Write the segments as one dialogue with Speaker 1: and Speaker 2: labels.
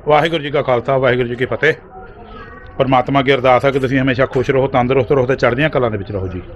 Speaker 1: ਵਾਹਿਗੁਰੂ ਜੀ ਕਾ ਖਾਲਸਾ ਵਾਹਿਗੁਰੂ ਜੀ ਕੀ ਫਤਿਹ। ਪਰਮਾਤਮਾ ਅੱਗੇ ਅਰਦਾਸ ਹੈ ਕਿ ਤੁਸੀਂ ਹਮੇਸ਼ਾ ਖੁਸ਼ ਰਹੋ, ਤੰਦਰੁਸਤ ਰਹੋ ਤੇ ਚੜ੍ਹਦੀਆਂ ਕਲਾਂ ਦੇ ਵਿੱਚ ਰਹੋ ਜੀ।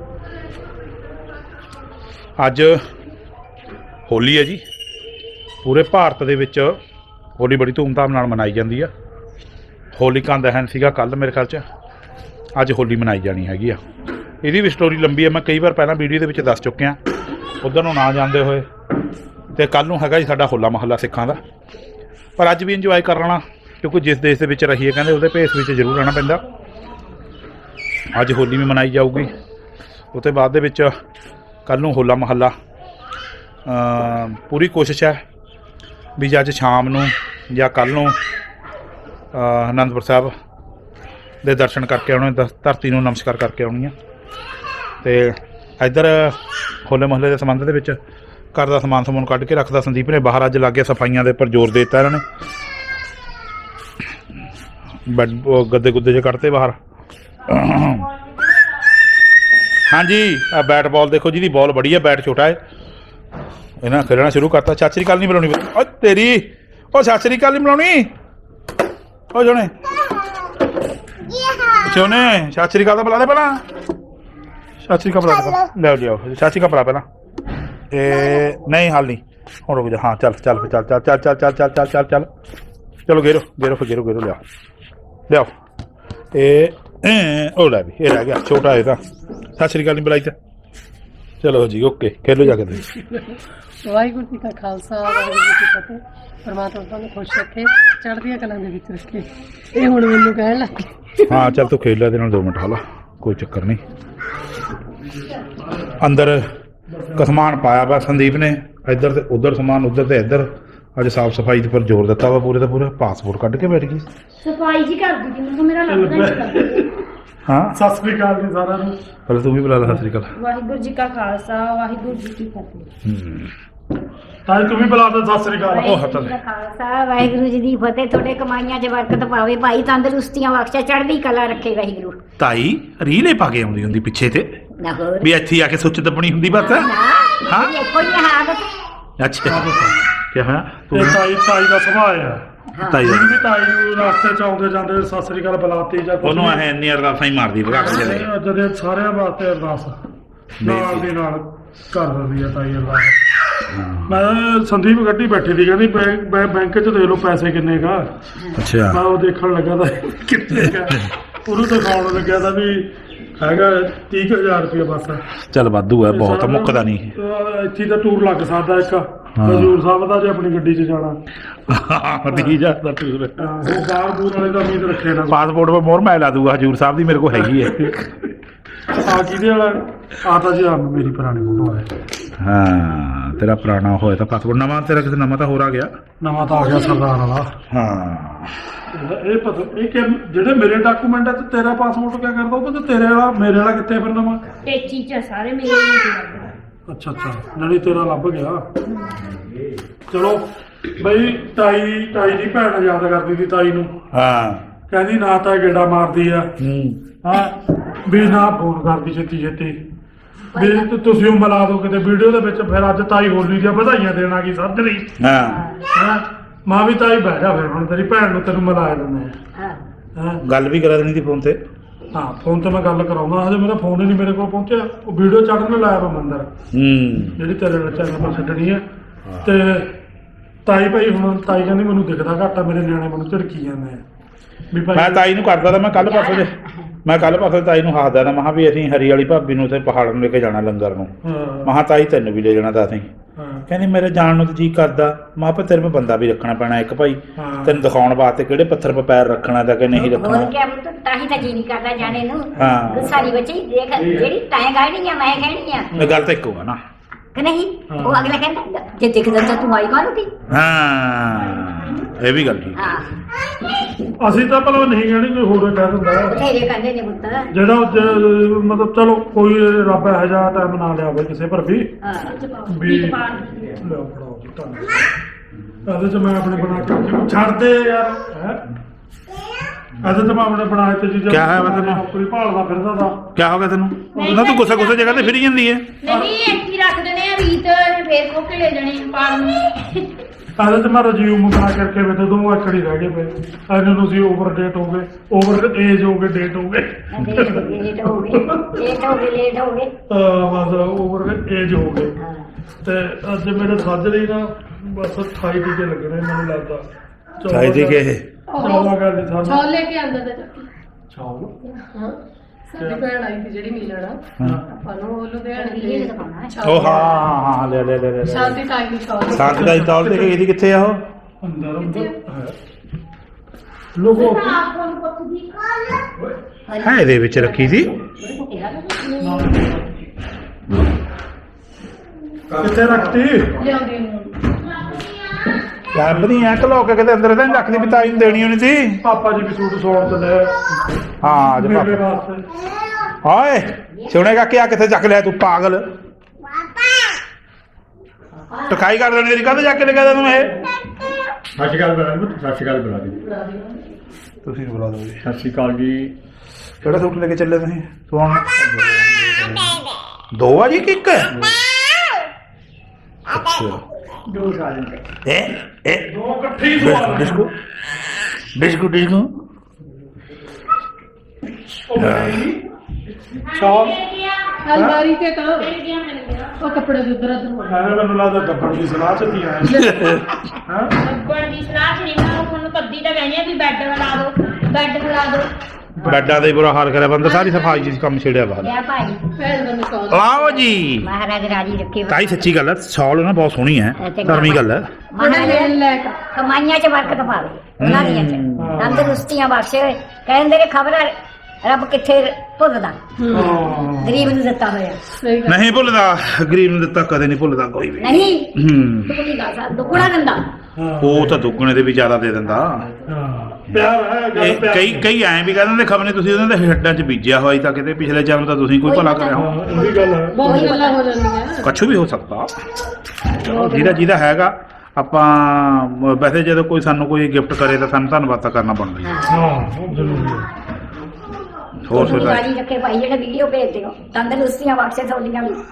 Speaker 1: ਅੱਜ ਹੋਲੀ ਹੈ ਜੀ। ਪੂਰੇ ਭਾਰਤ ਦੇ ਵਿੱਚ ਹੋਲੀ ਬੜੀ ਧੂਮਧਾਮ ਨਾਲ ਮਨਾਈ ਜਾਂਦੀ ਆ। ਹੋਲਿਕਾ ਦਹਨ ਸੀਗਾ ਕੱਲ੍ਹ ਮੇਰੇ ਖਿਆਲ 'ਚ, ਅੱਜ ਹੋਲੀ ਮਨਾਈ ਜਾਣੀ ਹੈਗੀ ਆ। ਇਹਦੀ ਵੀ ਸਟੋਰੀ ਲੰਬੀ ਹੈ, ਮੈਂ ਕਈ ਵਾਰ ਪਹਿਲਾਂ ਵੀਡੀਓ ਦੇ ਵਿੱਚ ਦੱਸ ਚੁੱਕਿਆ। ਉੱਧਰ ਨੂੰ ਨਾ ਜਾਂਦੇ ਹੋਏ ਤੇ ਕੱਲ੍ਹ ਨੂੰ ਹੈਗਾ ਜੀ ਸਾਡਾ ਹੋਲਾ ਮਹੱਲਾ ਸਿੱਖਾਂ ਦਾ। ਪਰ ਅੱਜ ਵੀ ਇੰਜੋਏ ਕਰ ਲੈਣਾ, ਕਿਉਂਕਿ ਜਿਸ ਦੇਸ਼ ਦੇ ਵਿੱਚ ਰਹੀਏ ਕਹਿੰਦੇ ਉਹਦੇ ਭੇਸ ਵਿੱਚ ਜ਼ਰੂਰ ਰਹਿਣਾ ਪੈਂਦਾ। ਅੱਜ ਹੋਲੀ ਵੀ ਮਨਾਈ ਜਾਊਗੀ। ਉਹ ਤੋਂ ਬਾਅਦ ਦੇ ਵਿੱਚ ਕੱਲ੍ਹ ਨੂੰ ਹੋਲਾ ਮਹੱਲਾ। ਪੂਰੀ ਕੋਸ਼ਿਸ਼ ਹੈ ਵੀ ਅੱਜ ਸ਼ਾਮ ਨੂੰ ਜਾਂ ਕੱਲ੍ਹ ਨੂੰ ਅਨੰਦਪੁਰ ਸਾਹਿਬ ਦੇ ਦਰਸ਼ਨ ਕਰਕੇ ਆਉਣੇ, ਧਰਤੀ ਨੂੰ ਨਮਸਕਾਰ ਕਰਕੇ ਆਉਣੀ ਆ। ਅਤੇ ਇੱਧਰ ਹੋਲੇ ਮਹੱਲੇ ਦੇ ਸੰਬੰਧ ਦੇ ਵਿੱਚ ਘਰ ਦਾ ਸਮਾਨ ਸਮੂਨ ਕੱਢ ਕੇ ਰੱਖਦਾ ਸੰਦੀਪ ਨੇ ਬਾਹਰ। ਅੱਜ ਲੱਗੇ ਸਫਾਈਆਂ ਦੇ ਉੱਪਰ ਜ਼ੋਰ ਦੇ ਦਿੱਤਾ ਇਹਨਾਂ ਨੇ। ਬੈਡ ਗੱਦੇ ਗੁੱਦੇ ਜਿਹੇ ਕੱਢਤੇ ਬਾਹਰ। ਹਾਂਜੀ, ਆ ਬੈਟ ਬਾਲ ਦੇਖੋ, ਜਿਹਦੀ ਬਾਲ ਬੜੀ ਹੈ, ਬੈਟ ਛੋਟਾ ਹੈ। ਇਹਨਾਂ ਖੇਡਣਾ ਸ਼ੁਰੂ ਕਰਤਾ। ਸਤਿ ਸ਼੍ਰੀ ਅਕਾਲ ਨਹੀਂ ਬੁਲਾਉਣੀ ਓ ਤੇਰੀ, ਉਹ ਸਤਿ ਸ਼੍ਰੀ ਅਕਾਲ ਨਹੀਂ ਬੁਲਾਉਣੀ। ਉਹ ਜੋਨੇ ਸੋਨੇ ਸਤਿ ਸ਼੍ਰੀ ਅਕਾਲ ਤਾਂ ਬੁਲਾ ਦੇ ਪਹਿਲਾਂ। ਸਤਿ ਸ਼੍ਰੀ ਅਕਾਲ ਬੁਲਾ ਲਿਆਓ ਲਿਆਓ। ਸਤਿ ਸ਼੍ਰੀ ਅਕਾਲ ਬੁਲਾ ਪਹਿਲਾਂ। ਇਹ ਨਹੀਂ ਹਾਲ ਨਹੀਂ, ਹੁਣ ਰੁਕ ਜਾ। ਹਾਂ ਚੱਲ ਚੱਲ ਫਿਰ ਚੱਲ ਚੱਲ ਚੱਲ ਚੱਲ ਚੱਲ ਚੱਲ ਚੱਲ ਚੱਲ ਚੱਲ ਚਲੋ ਗੇਰੋ ਗੇਰੋ ਫਿਰ ਗੇਰੋ ਗੇਰੋ ਲਿਆਓ ਲਿਆਓ। ਇਹ ਉਹ ਲੈ ਵੀ, ਇਹ ਰਹਿ ਗਿਆ ਛੋਟਾ। ਇਹ ਤਾਂ ਸਤਿ ਸ਼੍ਰੀ ਅਕਾਲ ਨਹੀਂ ਬੁਲਾਈ ਤਾਂ। ਚਲੋ ਜੀ ਓਕੇ, ਖੇਲੋ ਜਾ ਕੇ।
Speaker 2: ਵਾਹਿਗੁਰੂ ਜੀ ਕਾ ਖਾਲਸਾ ਵਾਹਿਗੁਰੂ ਜੀ ਕੀ ਫਤਿਹ। ਪਰਮਾਤਮਾ ਤੁਹਾਨੂੰ ਖੁਸ਼ ਰੱਖੇ, ਚੜ੍ਹਦੀਆਂ ਕਲਾਂ ਦੇ ਵਿੱਚ ਰੱਖੇ। ਇਹ ਹੁਣ ਮੈਨੂੰ ਕਹਿਣ ਲੱਗ ਗਏ।
Speaker 1: ਹਾਂ ਚੱਲ ਤੂੰ ਖੇਡ ਲੈ ਇਹਦੇ ਨਾਲ 2 ਮਿੰਟ ਹਾਲਾ, ਕੋਈ ਚੱਕਰ ਨਹੀਂ। ਅੰਦਰ ਸਮਾਨ ਪਾਇਆ ਵਾ ਸੰਦੀਪ ਨੇ, ਇੱਧਰ ਤੇ ਉੱਧਰ ਸਮਾਨ, ਉੱਧਰ ਤੇ ਇੱਧਰ। ਅੱਜ ਸਾਫ ਸਫਾਈ ਦੇ ਉੱਪਰ ਜ਼ੋਰ ਦਿੱਤਾ ਵਾ ਪੂਰੇ ਦਾ ਪੂਰਾ। ਪਾਸਪੋਰਟ ਕੱਢ ਕੇ ਬੈਠ ਗਈ
Speaker 3: ਸਫਾਈ ਜੀ ਕਰਦੀ ਜੀ, ਮੈਨੂੰ ਮੇਰਾ ਲੱਗਦਾ
Speaker 1: ਹਾਂ।
Speaker 2: ਸਤਿ ਸ੍ਰੀ ਅਕਾਲ ਜੀ ਸਾਰਿਆਂ ਨੂੰ।
Speaker 1: ਪਹਿਲਾਂ ਤੂੰ ਵੀ ਬੁਲਾ ਲੈ। ਸਤਿ ਸ਼੍ਰੀ ਅਕਾਲ।
Speaker 3: ਵਾਹਿਗੁਰੂ ਜੀ ਕਾ ਖਾਲਸਾ ਵਾਹਿਗੁਰੂ ਜੀ ਕੀ ਫਤਿਹ।
Speaker 2: ਤਾਂ ਤੂੰ ਵੀ ਬੁਲਾ ਦੇ ਸਤਿ ਸ੍ਰੀ ਅਕਾਲ।
Speaker 3: ਵਾਹਿਗੁਰੂ ਜੀ ਕਾ ਖਾਲਸਾ ਵਾਹਿਗੁਰੂ ਜੀ ਦੀ ਫਤਿਹ। ਤੁਹਾਡੇ ਕਮਾਈਆਂ 'ਚ ਬਰਕਤ ਪਾਵੇ ਭਾਈ, ਤੰਦਰੁਸਤੀਆਂ ਬਖਸ਼ੇ, ਚੜ੍ਹਦੀ ਕਲਾ ਰੱਖੇ ਵਾਹਿਗੁਰੂ।
Speaker 1: ਤਾਈ ਰੀਲੇ ਪਾ ਕੇ ਆਉਂਦੀ ਹੁੰਦੀ ਪਿੱਛੇ ਤੇ
Speaker 3: ਨਾ ਹੋਰ
Speaker 1: ਵੀ ਇੱਥੇ ਆ ਕੇ ਸੁੱਚ ਦੱਬਣੀ ਹੁੰਦੀ ਬਸ।
Speaker 3: ਹਾਂ ਕੋਈ ਨਹੀਂ ਆਦਤ।
Speaker 1: ਅੱਛਾ ਕੀ ਹੋਇਆ?
Speaker 2: ਇਹ ਤਾਈ ਦਾ ਸੁਭਾਅ ਆ।
Speaker 1: ਤਾਈ
Speaker 2: ਜਿਹੜੀ ਵੀ ਤਾਈ ਨੂੰ ਰਸਤੇ 'ਚ ਆਉਂਦੇ ਜਾਂਦੇ ਸਤਿ ਸ੍ਰੀ ਅਕਾਲ ਬੁਲਾਤੀ ਜਾਂ
Speaker 1: ਉਹਨੂੰ ਇਹ ਇੰਨੀ ਅਰਦਾਸਾਂ ਹੀ ਮਾਰਦੀ ਭਗਾ ਕੇ ਚਲੇ।
Speaker 2: ਜਦੋਂ ਸਾਰਿਆਂ ਵਾਸਤੇ ਅਰਦਾਸ ਨਾਲ ਦੀ ਨਾਲ ਕਰ ਦਿੰਦੀ ਆ ਤਾਈ ਅਰਦਾਸ। ਮੈਂ ਸੰਦੀਪ ਗੱਡੀ ਬੈਠੀ ਸੀ, ਕਹਿੰਦੀ ਬੈਂਕ 'ਚ ਦੇ ਲਓ ਪੈਸੇ ਕਿੰਨੇ ਕਾ।
Speaker 1: ਅੱਛਾ
Speaker 2: ਮੈਂ ਉਹ ਦੇਖਣ ਲੱਗਾ ਤਾਂ ਕਿੰਨੇ ਕਾ, ਉਹਨੂੰ ਦਿਖਾਉਣ ਲੱਗਿਆ ਤਾਂ ਵੀ ਹੈਗਾ 30,000 ਰੁਪਏ ਬਸ।
Speaker 1: ਚੱਲ ਵਾਧੂ ਹੈ, ਬਹੁਤ ਮੁੱਕਦਾ ਨਹੀਂ।
Speaker 2: ਇੱਥੇ ਤਾਂ ਟੂਰ ਲੱਗ ਸਕਦਾ ਇੱਕ ਹਜ਼ੂਰ ਸਾਹਿਬ ਦਾ, ਜੇ ਆਪਣੀ ਗੱਡੀ 'ਚ ਜਾਣਾ।
Speaker 1: 30,000 ਦਾ ਟੂਰ।
Speaker 2: ਉਹ ਬਾਹਰ ਬੂਰ ਵਾਲੇ ਦਾ ਉਮੀਦ ਰੱਖੇ ਨਾ।
Speaker 1: ਪਾਸਪੋਰਟ 'ਤੇ ਮੋਹਰ ਮੈਂ ਲਾ ਦੂਗਾ ਹਜ਼ੂਰ ਸਾਹਿਬ ਦੀ, ਮੇਰੇ ਕੋਲ ਹੈਗੀ ਹੈ।
Speaker 2: ਆ ਜਿਹਦੇ ਵਾਲਾ ਆ ਤਾਂ ਜੀ ਮੇਰੀ ਪੁਰਾਣੀ ਫੋਟੋ ਹੈ।
Speaker 1: ਹਾਂ ਤੇਰਾ ਪੁਰਾਣਾ ਹੋਇਆ ਤਾਂ ਪਾਸਪੋਰਟ। ਨਵਾਂ ਤੇਰਾ ਕਿਸੇ ਨਵਾਂ ਤਾਂ ਹੋਰ ਆ ਗਿਆ।
Speaker 2: ਨਵਾਂ ਤਾਂ ਆ ਗਿਆ ਸਰਦਾਰ ਵਾਲਾ।
Speaker 1: ਹਾਂ
Speaker 2: ਇਹ ਪਤਾ ਇਹ ਕਿ ਜਿਹੜੇ ਮੇਰੇ ਡਾਕੂਮੈਂਟ ਹੈ ਤੇ ਤੇਰਾ ਪਾਸਪੋਰਟ ਕਿਆ ਕਰਦਾ ਉਹ ਤੇ ਤੇਰੇ ਵਾਲਾ ਮੇਰੇ ਵਾਲਾ ਕਿੱਥੇ ਫਿਰ ਨਵਾਂ?
Speaker 3: ਟੇਚੀ 'ਚ ਸਾਰੇ ਮੇਰੇ ਹੀ ਲੱਗਦਾ।
Speaker 2: ਅੱਛਾ ਅੱਛਾ, ਜਿਹੜੀ ਤੇਰਾ ਲੱਭ ਗਿਆ। ਚਲੋ ਬਈ ਤਾਈ ਦੀ ਭੈਣ ਯਾਦ ਕਰਦੀ ਸੀ ਤਾਈ ਨੂੰ।
Speaker 1: ਹਾਂ
Speaker 2: ਕਹਿੰਦੀ ਨਾ ਤਾਂ ਗੇੜਾ ਮਾਰਦੀ ਆ, ਹਾਂ ਵੀ ਨਾ ਫੋਨ ਕਰਦੀ ਛੇਤੀ ਛੇਤੀ ਵੀ ਤੁਸੀਂ ਉਹ ਮਿਲਾ ਦਿਓ ਕਿਤੇ ਵੀਡੀਓ ਦੇ ਵਿੱਚ। ਫਿਰ ਅੱਜ ਤਾਈ ਹੋਲੀ ਦੀਆਂ ਵਧਾਈਆਂ ਦੇਣ ਆ ਗਈ ਸੱਜਣੀ।
Speaker 1: ਹਾਂ
Speaker 2: ਮਾਂ ਵੀ ਤਾਈ ਬਹਿ ਜਾ, ਫਿਰ ਹੁਣ ਤੇਰੀ ਭੈਣ ਨੂੰ ਤੈਨੂੰ ਮਿਲਾ ਦਿੰਦੇ ਆ। ਹਾਂ
Speaker 1: ਗੱਲ ਵੀ ਕਰਾ ਦੇਣੀ ਸੀ ਫੋਨ ਤੇ।
Speaker 2: ਹਾਂ ਫੋਨ ਤੇ ਮੈਂ ਗੱਲ ਕਰਾਉਂਦਾ, ਹਜੇ ਮੇਰਾ ਫੋਨ ਹੀ ਨਹੀਂ ਮੇਰੇ ਕੋਲ ਪਹੁੰਚਿਆ। ਉਹ ਵੀਡੀਓ ਚੜ੍ਹਨ ਲਾਇਆ ਵਾ ਮੰਦਰ ਜਿਹੜੀ ਤੇਰੇ ਚੈਨਲ 'ਤੇ ਛੱਡਣੀ ਹੈ। ਤੇ ਤਾਈ ਭਾਈ ਹੁਣ ਤਾਈ ਕਹਿੰਦੀ ਮੈਨੂੰ ਦਿਖਦਾ ਘੱਟ ਆ, ਮੇਰੇ ਨਿਆਣੇ ਮੈਨੂੰ ਝਿੜਕੀ ਜਾਂਦੇ ਆ ਵੀ ਭਾਈ।
Speaker 1: ਮੈਂ ਤਾਈ ਨੂੰ ਕਰਦਾ ਤਾਂ ਮੈਂ ਕੱਲ ਪਾਸੋਂ ਤਾਈ ਨੂੰ ਹੱਸਦਾ ਤਾਂ ਮੈਂ ਵੀ ਅਸੀਂ ਹਰੀ ਵਾਲੀ ਭਾਬੀ ਨੂੰ ਉੱਥੇ ਪਹਾੜ ਨੂੰ ਲੈ ਕੇ ਜਾਣਾ ਲੰਗਰ ਨੂੰ। ਮੈਂ ਤਾਈ ਤੈਨੂੰ ਵੀ ਲੈ ਜਾਣਾ ਤਾਂ ਅਸੀਂ। ਕਹਿੰਦੀ ਮੇਰੇ ਜਾਣ ਨੂੰ ਤਾਂ ਜੀ ਕਰਦਾ। ਮੈਂ ਕਿਹਾ ਤੇਰੇ ਮੈਂ ਬੰਦਾ ਵੀ ਰੱਖਣਾ ਪੈਣਾ ਇੱਕ ਭਾਈ, ਤੈਨੂੰ ਦਿਖਾਉਣ ਵਾਸਤੇ ਕਿਹੜੇ ਪੱਥਰ 'ਤੇ ਪੈਰ ਰੱਖਣਾ ਤਾਂ ਕਿ ਨਹੀਂ ਰੱਖਣਾ।
Speaker 3: ਹੋਰ ਕਿਆ ਪੁੱਤ, ਤਾਂ ਹੀ ਤਾਂ ਜੀ ਨਹੀਂ ਕਰਦਾ ਜਾਣੇ ਨੂੰ।
Speaker 1: ਹਾਂ
Speaker 3: ਗੁੱਸਾ ਨਹੀਂ ਬੱਚੀ, ਦੇਖ ਜਿਹੜੀ ਤੈਂ ਕਹਿਣੀ ਆ ਮੈਂ ਕਹਿਣੀ ਆ।
Speaker 1: ਇਹ ਗੱਲ ਤਾਂ ਇੱਕੋ ਆ ਨਾ
Speaker 3: ਕਿ ਨਹੀਂ? ਉਹ ਅਗਲਾ ਕਹਿੰਦਾ ਜੇ ਦਿਖਦਾ ਤਾਂ ਤੂੰ ਆਈ ਕਾਹਨੂੰ ਤੀ।
Speaker 1: ਹਾਂ ਇਹ ਵੀ ਗੱਲ ਠੀਕ।
Speaker 3: ਹਾਂ
Speaker 2: ਅਸੀਂ ਤਾਂ ਭਲਾ ਨਹੀਂ ਕਹਿਣੀ, ਕੋਈ ਹੋਰ ਕਹਿ ਦਿੰਦਾ।
Speaker 3: ਬਥੇਰੇ ਕਹਿੰਦੇ ਨੇ ਪੁੱਤ
Speaker 2: ਜਿਹੜਾ ਮਤਲਬ ਚਲੋ ਕੋਈ ਰੱਬ ਇਹੋ ਜਿਹਾ ਟਾਈਮ ਨਾ ਲਿਆਵੇ ਕਿਸੇ ਪਰ ਵੀ ਵੀ ਲਿਆਓ ਫੜਾਓ ਜੀ ਤੁਹਾਨੂੰ। ਇਹਦੇ 'ਚ ਮੈਂ ਆਪਣੇ ਬਣਾ ਕੇ ਛੱਡ ਦੇ ਯਾਰ। ਇਹਦੇ 'ਚ ਮੈਂ ਆਪਣੇ ਬਣਾਏ ਤੇ ਚੀਜ਼ਾਂ।
Speaker 1: ਕਿਆ ਹੈ ਮਤਲਬ?
Speaker 2: ਨੌਕਰੀ ਭਾਲਦਾ ਫਿਰਦਾ ਤਾਂ
Speaker 1: ਕਿਆ ਹੋ ਗਿਆ ਤੈਨੂੰ? ਨਾ ਤੂੰ ਗੁੱਸੇ ਜਗ੍ਹਾ ਤੇ ਫਿਰੀ ਜਾਂਦੀ ਹੈ।
Speaker 3: ਨਹੀਂ ਇੱਥੇ ਰੱਖ ਦੇਣੇ ਆ ਰੀਤ, ਫੇਰ ਖੋ ਕੇ ਲੈ ਜਾਣੇ ਪਾਲ ਨੂੰ।
Speaker 2: ਆਦੇ ਤੇ ਮੈਂ ਰਿਜ਼ਿਊਮ ਬਣਾ ਕਰਕੇ ਬੈਠੇ 2 ਆਕੜੀ ਰਹਿ ਗਏ ਪਏ ਇਹਨਾਂ ਨੂੰ ਸੀ ਓਵਰ ਡੇਟ ਹੋ ਗਏ ਓਵਰ ਏਜ ਹੋ ਗਏ ਡੇਟ ਹੋ ਗਏ
Speaker 3: ਲੇਟ ਹੋ ਗਏ
Speaker 2: ਬਸ ਓਵਰ ਏਜ ਹੋ ਗਏ ਤੇ ਅੱਜ ਮੇਰੇ ਸਾਜਰੀ ਨਾ ਬਸ 28 ਟੀਕੇ ਲੱਗਣੇ ਮੈਨੂੰ ਲੱਗਦਾ
Speaker 1: ਚਾਹੀਦੀ ਕਿ ਇਹ
Speaker 2: ਚੌਲਾ ਗੱਲ ਨਹੀਂ ਸਾਨੂੰ
Speaker 4: ਛੋਲ ਲੈ ਕੇ ਆਂਦਾ ਤੇ ਚੱਕੀ
Speaker 2: ਚੌਲ
Speaker 4: ਹਾਂ ਸਾਡੀ ਭੈਣ ਆਈ ਸੀ ਜਿਹੜੀ ਮਿਲਣਾ ਆਪਾਂ ਨੂੰ ਉਹ ਲੁਧਿਆਣੇ
Speaker 1: ਉਹ ਹਾਂ ਲੈ
Speaker 4: ਸ਼ਾਂਤੀ ਟਾਈਮ ਦੀ ਛੋਲ
Speaker 1: ਸ਼ਾਂਤੀ ਦਾ ਤੌਲ ਤੇ ਇਹਦੀ ਕਿੱਥੇ ਆ ਉਹ
Speaker 2: ਅੰਦਰ ਲੋਗੋ
Speaker 1: ਹੈ ਇਹਦੇ ਵਿੱਚ ਰੱਖੀ ਸੀ
Speaker 2: ਕਿੱਥੇ ਰੱਖਤੀ
Speaker 4: ਲਿਆਉਂਦੀ ਨੂੰ
Speaker 1: ਰੱਬ ਨਹੀਂ ਐ ਕਲੋ ਕੇ ਕਿਤੇ ਅੰਦਰ ਤਾਂ ਨਹੀਂ ਰੱਖਦੀ ਵੀ ਤਾਈ ਨੂੰ ਦੇਣੀ ਹੋਣੀ ਸੀ
Speaker 2: ਪਾਪਾ ਜੀ ਵੀ ਸੂਟ ਸੌਣ ਤੇ ਲੈ
Speaker 1: ਹਾਂ ਅੱਜ
Speaker 2: ਮੇਰੇ
Speaker 1: ਪਾਪਾ
Speaker 2: ਵਾਸਤੇ
Speaker 1: ਓਏ ਸੁਣੇਗਾ ਕਿ ਆ ਕਿੱਥੇ ਚੱਕ ਲਿਆ ਤੂੰ ਪਾਗਲ ਟਕਾਈ ਕਰ ਦੇਣੀ ਤੇਰੀ ਕਦ ਜਾ ਕੇ ਲਗਾ ਤੈਨੂੰ ਇਹ
Speaker 5: ਸਤਿ ਸ਼੍ਰੀ ਅਕਾਲ ਬੁਲਾ ਦਿਓ, ਸਤਿ ਸ਼੍ਰੀ ਅਕਾਲ ਬੁਲਾ ਦਿਓ।
Speaker 1: ਤੁਸੀਂ ਬੁਲਾ ਦਿਓ ਜੀ
Speaker 5: ਸਤਿ ਸ਼੍ਰੀ ਅਕਾਲ ਜੀ।
Speaker 1: ਕਿਹੜਾ ਸੂਟ ਲੈ ਕੇ ਚੱਲੇ ਤੁਸੀਂ ਸਵਾਉਣ 2 ਆ ਜੀ ਕਿ 1 ਅੱਛਾ
Speaker 5: 2 ਸਾਲ ਦੇ
Speaker 1: ਇਹ
Speaker 2: ਦੋ ਇਕੱਠੀ ਸਵਾਲ
Speaker 1: ਡਿਸਕੋ ਡਿਸਕੋ
Speaker 2: ਸ਼ਾਲ
Speaker 4: ਅਲਮਾਰੀ ਤੇ ਤਾਂ ਉਹ ਕੱਪੜੇ ਦੇ ਉਧਰ ਹੋ
Speaker 2: ਐਵੇਂ ਮੈਨੂੰ ਲੱਗਦਾ ਗੱਬੜ ਦੀ ਸਲਾਹ ਚ ਕੀ ਆਇਆ ਹਾਂ
Speaker 3: ਲੱਭਣ ਦੀ ਸਲਾਹ ਚ ਨਹੀਂ ਮੈਂ ਤੁਹਾਨੂੰ ਕੱਦੀ ਤਾਂ ਕਹਿੰਦੀ ਆ ਵੀ ਬੈੱਡ ਬਣਾ ਦਿਓ ਬੈੱਡ ਬਣਾ ਦਿਓ
Speaker 1: ਬੈਡਾਂ ਦਾ ਹੀ ਬੁਰਾ ਹਾਲ ਕਰਿਆ ਬੰਦਾ ਸਾਰੀ ਸਫਾਈ ਜੀ ਕੰਮ ਛੇੜਿਆ ਬਾਹਰ
Speaker 3: ਲਿਆ ਭਾਈ
Speaker 4: ਭੈਣ ਦਾ ਨਿਕਾਲ
Speaker 1: ਆਓ ਜੀ
Speaker 3: ਮਹਾਰਾਜ ਰਾਜੀ ਰੱਖੇ
Speaker 1: ਤਾਈ ਸੱਚੀ ਗੱਲ ਹੈ ਸ਼ਾਲ ਨਾ ਬਹੁਤ ਸੋਹਣੀ ਹੈ ਧਰਮੀ ਗੱਲ ਹੈ
Speaker 4: ਬੜਾ ਲੈਣ ਲੈ ਕੇ
Speaker 3: ਕਮਾਈਆਂ ਚ ਬਰਕਤ ਪਾਵੇ ਉਹਨਾਂ ਦੀਆਂ ਚ ਤੰਦਰੁਸਤੀਆਂ ਬਖਸ਼ੇ ਕਹਿੰਦੇ ਨੇ ਖਬਰ ਰੱਬ ਕਿੱਥੇ ਭੁੱਲਦਾ ਗਰੀਬ ਨੂੰ ਦਿੱਤਾ ਹੋਇਆ
Speaker 4: ਸਹੀ ਗੱਲ
Speaker 1: ਨਹੀਂ ਭੁੱਲਦਾ ਗਰੀਬ ਨੂੰ ਦਿੱਤਾ ਕਦੇ ਨਹੀਂ ਭੁੱਲਦਾ ਕੋਈ ਵੀ
Speaker 3: ਨਹੀਂ
Speaker 1: ਹੂੰ
Speaker 3: ਦੁੱਗਣੀ ਦਾ ਸਾ ਦੁੱਗਣਾ ਦਿੰਦਾ
Speaker 1: ਉਹ ਤਾਂ ਦੁੱਗਣੇ ਦੇ ਵੀ ਜ਼ਿਆਦਾ ਦੇ ਦਿੰਦਾ
Speaker 2: ਪਿਆਰ ਹੈ ਗੱਲ
Speaker 1: ਇਹ
Speaker 2: ਪਿਆਰ
Speaker 1: ਕਈ ਐਂ ਵੀ ਕਹਿੰਦੇ ਨੇ ਖਬਰੇ ਤੁਸੀਂ ਉਹਨਾਂ ਦੇ ਹੱਡਾਂ 'ਚ ਬੀਜਿਆ ਹੋਇਆ ਤਾਂ ਕਿਤੇ ਪਿਛਲੇ ਜਨਮ ਤਾਂ ਤੁਸੀਂ ਕੋਈ ਭਲਾ ਕਰਿਆ ਹੋ
Speaker 2: ਹਾਂ ਇਹ ਵੀ ਗੱਲ ਹੈ
Speaker 4: ਬਹੁਤ ਗੱਲਾਂ ਹੋ ਜਾਂਦੀਆਂ
Speaker 1: ਕੁਛ ਵੀ ਹੋ ਸਕਦਾ ਚਲੋ ਜਿਹਦਾ ਹੈਗਾ ਆਪਾਂ ਵੈਸੇ ਜਦੋਂ ਕੋਈ ਸਾਨੂੰ ਕੋਈ ਗਿਫਟ ਕਰੇ ਤਾਂ ਸਾਨੂੰ ਧੰਨਵਾਦ ਤਾਂ ਕਰਨਾ ਬਣਦਾ ਹੀ ਹੈ।
Speaker 2: ਹਾਂ ਜ਼ਰੂਰੀ ਹੈ
Speaker 1: ਹੋਰ ਸੁਣਾ
Speaker 3: ਰਾਜੀ ਰੱਖੇ ਭਾਈ ਜਿਹੜੇ ਵੀਡੀਓ ਭੇਜਦੇ ਹੋ ਤੰਦਰੁਸਤੀਆਂ ਬਖਸ਼ੇ ਤੁਹਾਡੀਆਂ ਵੀ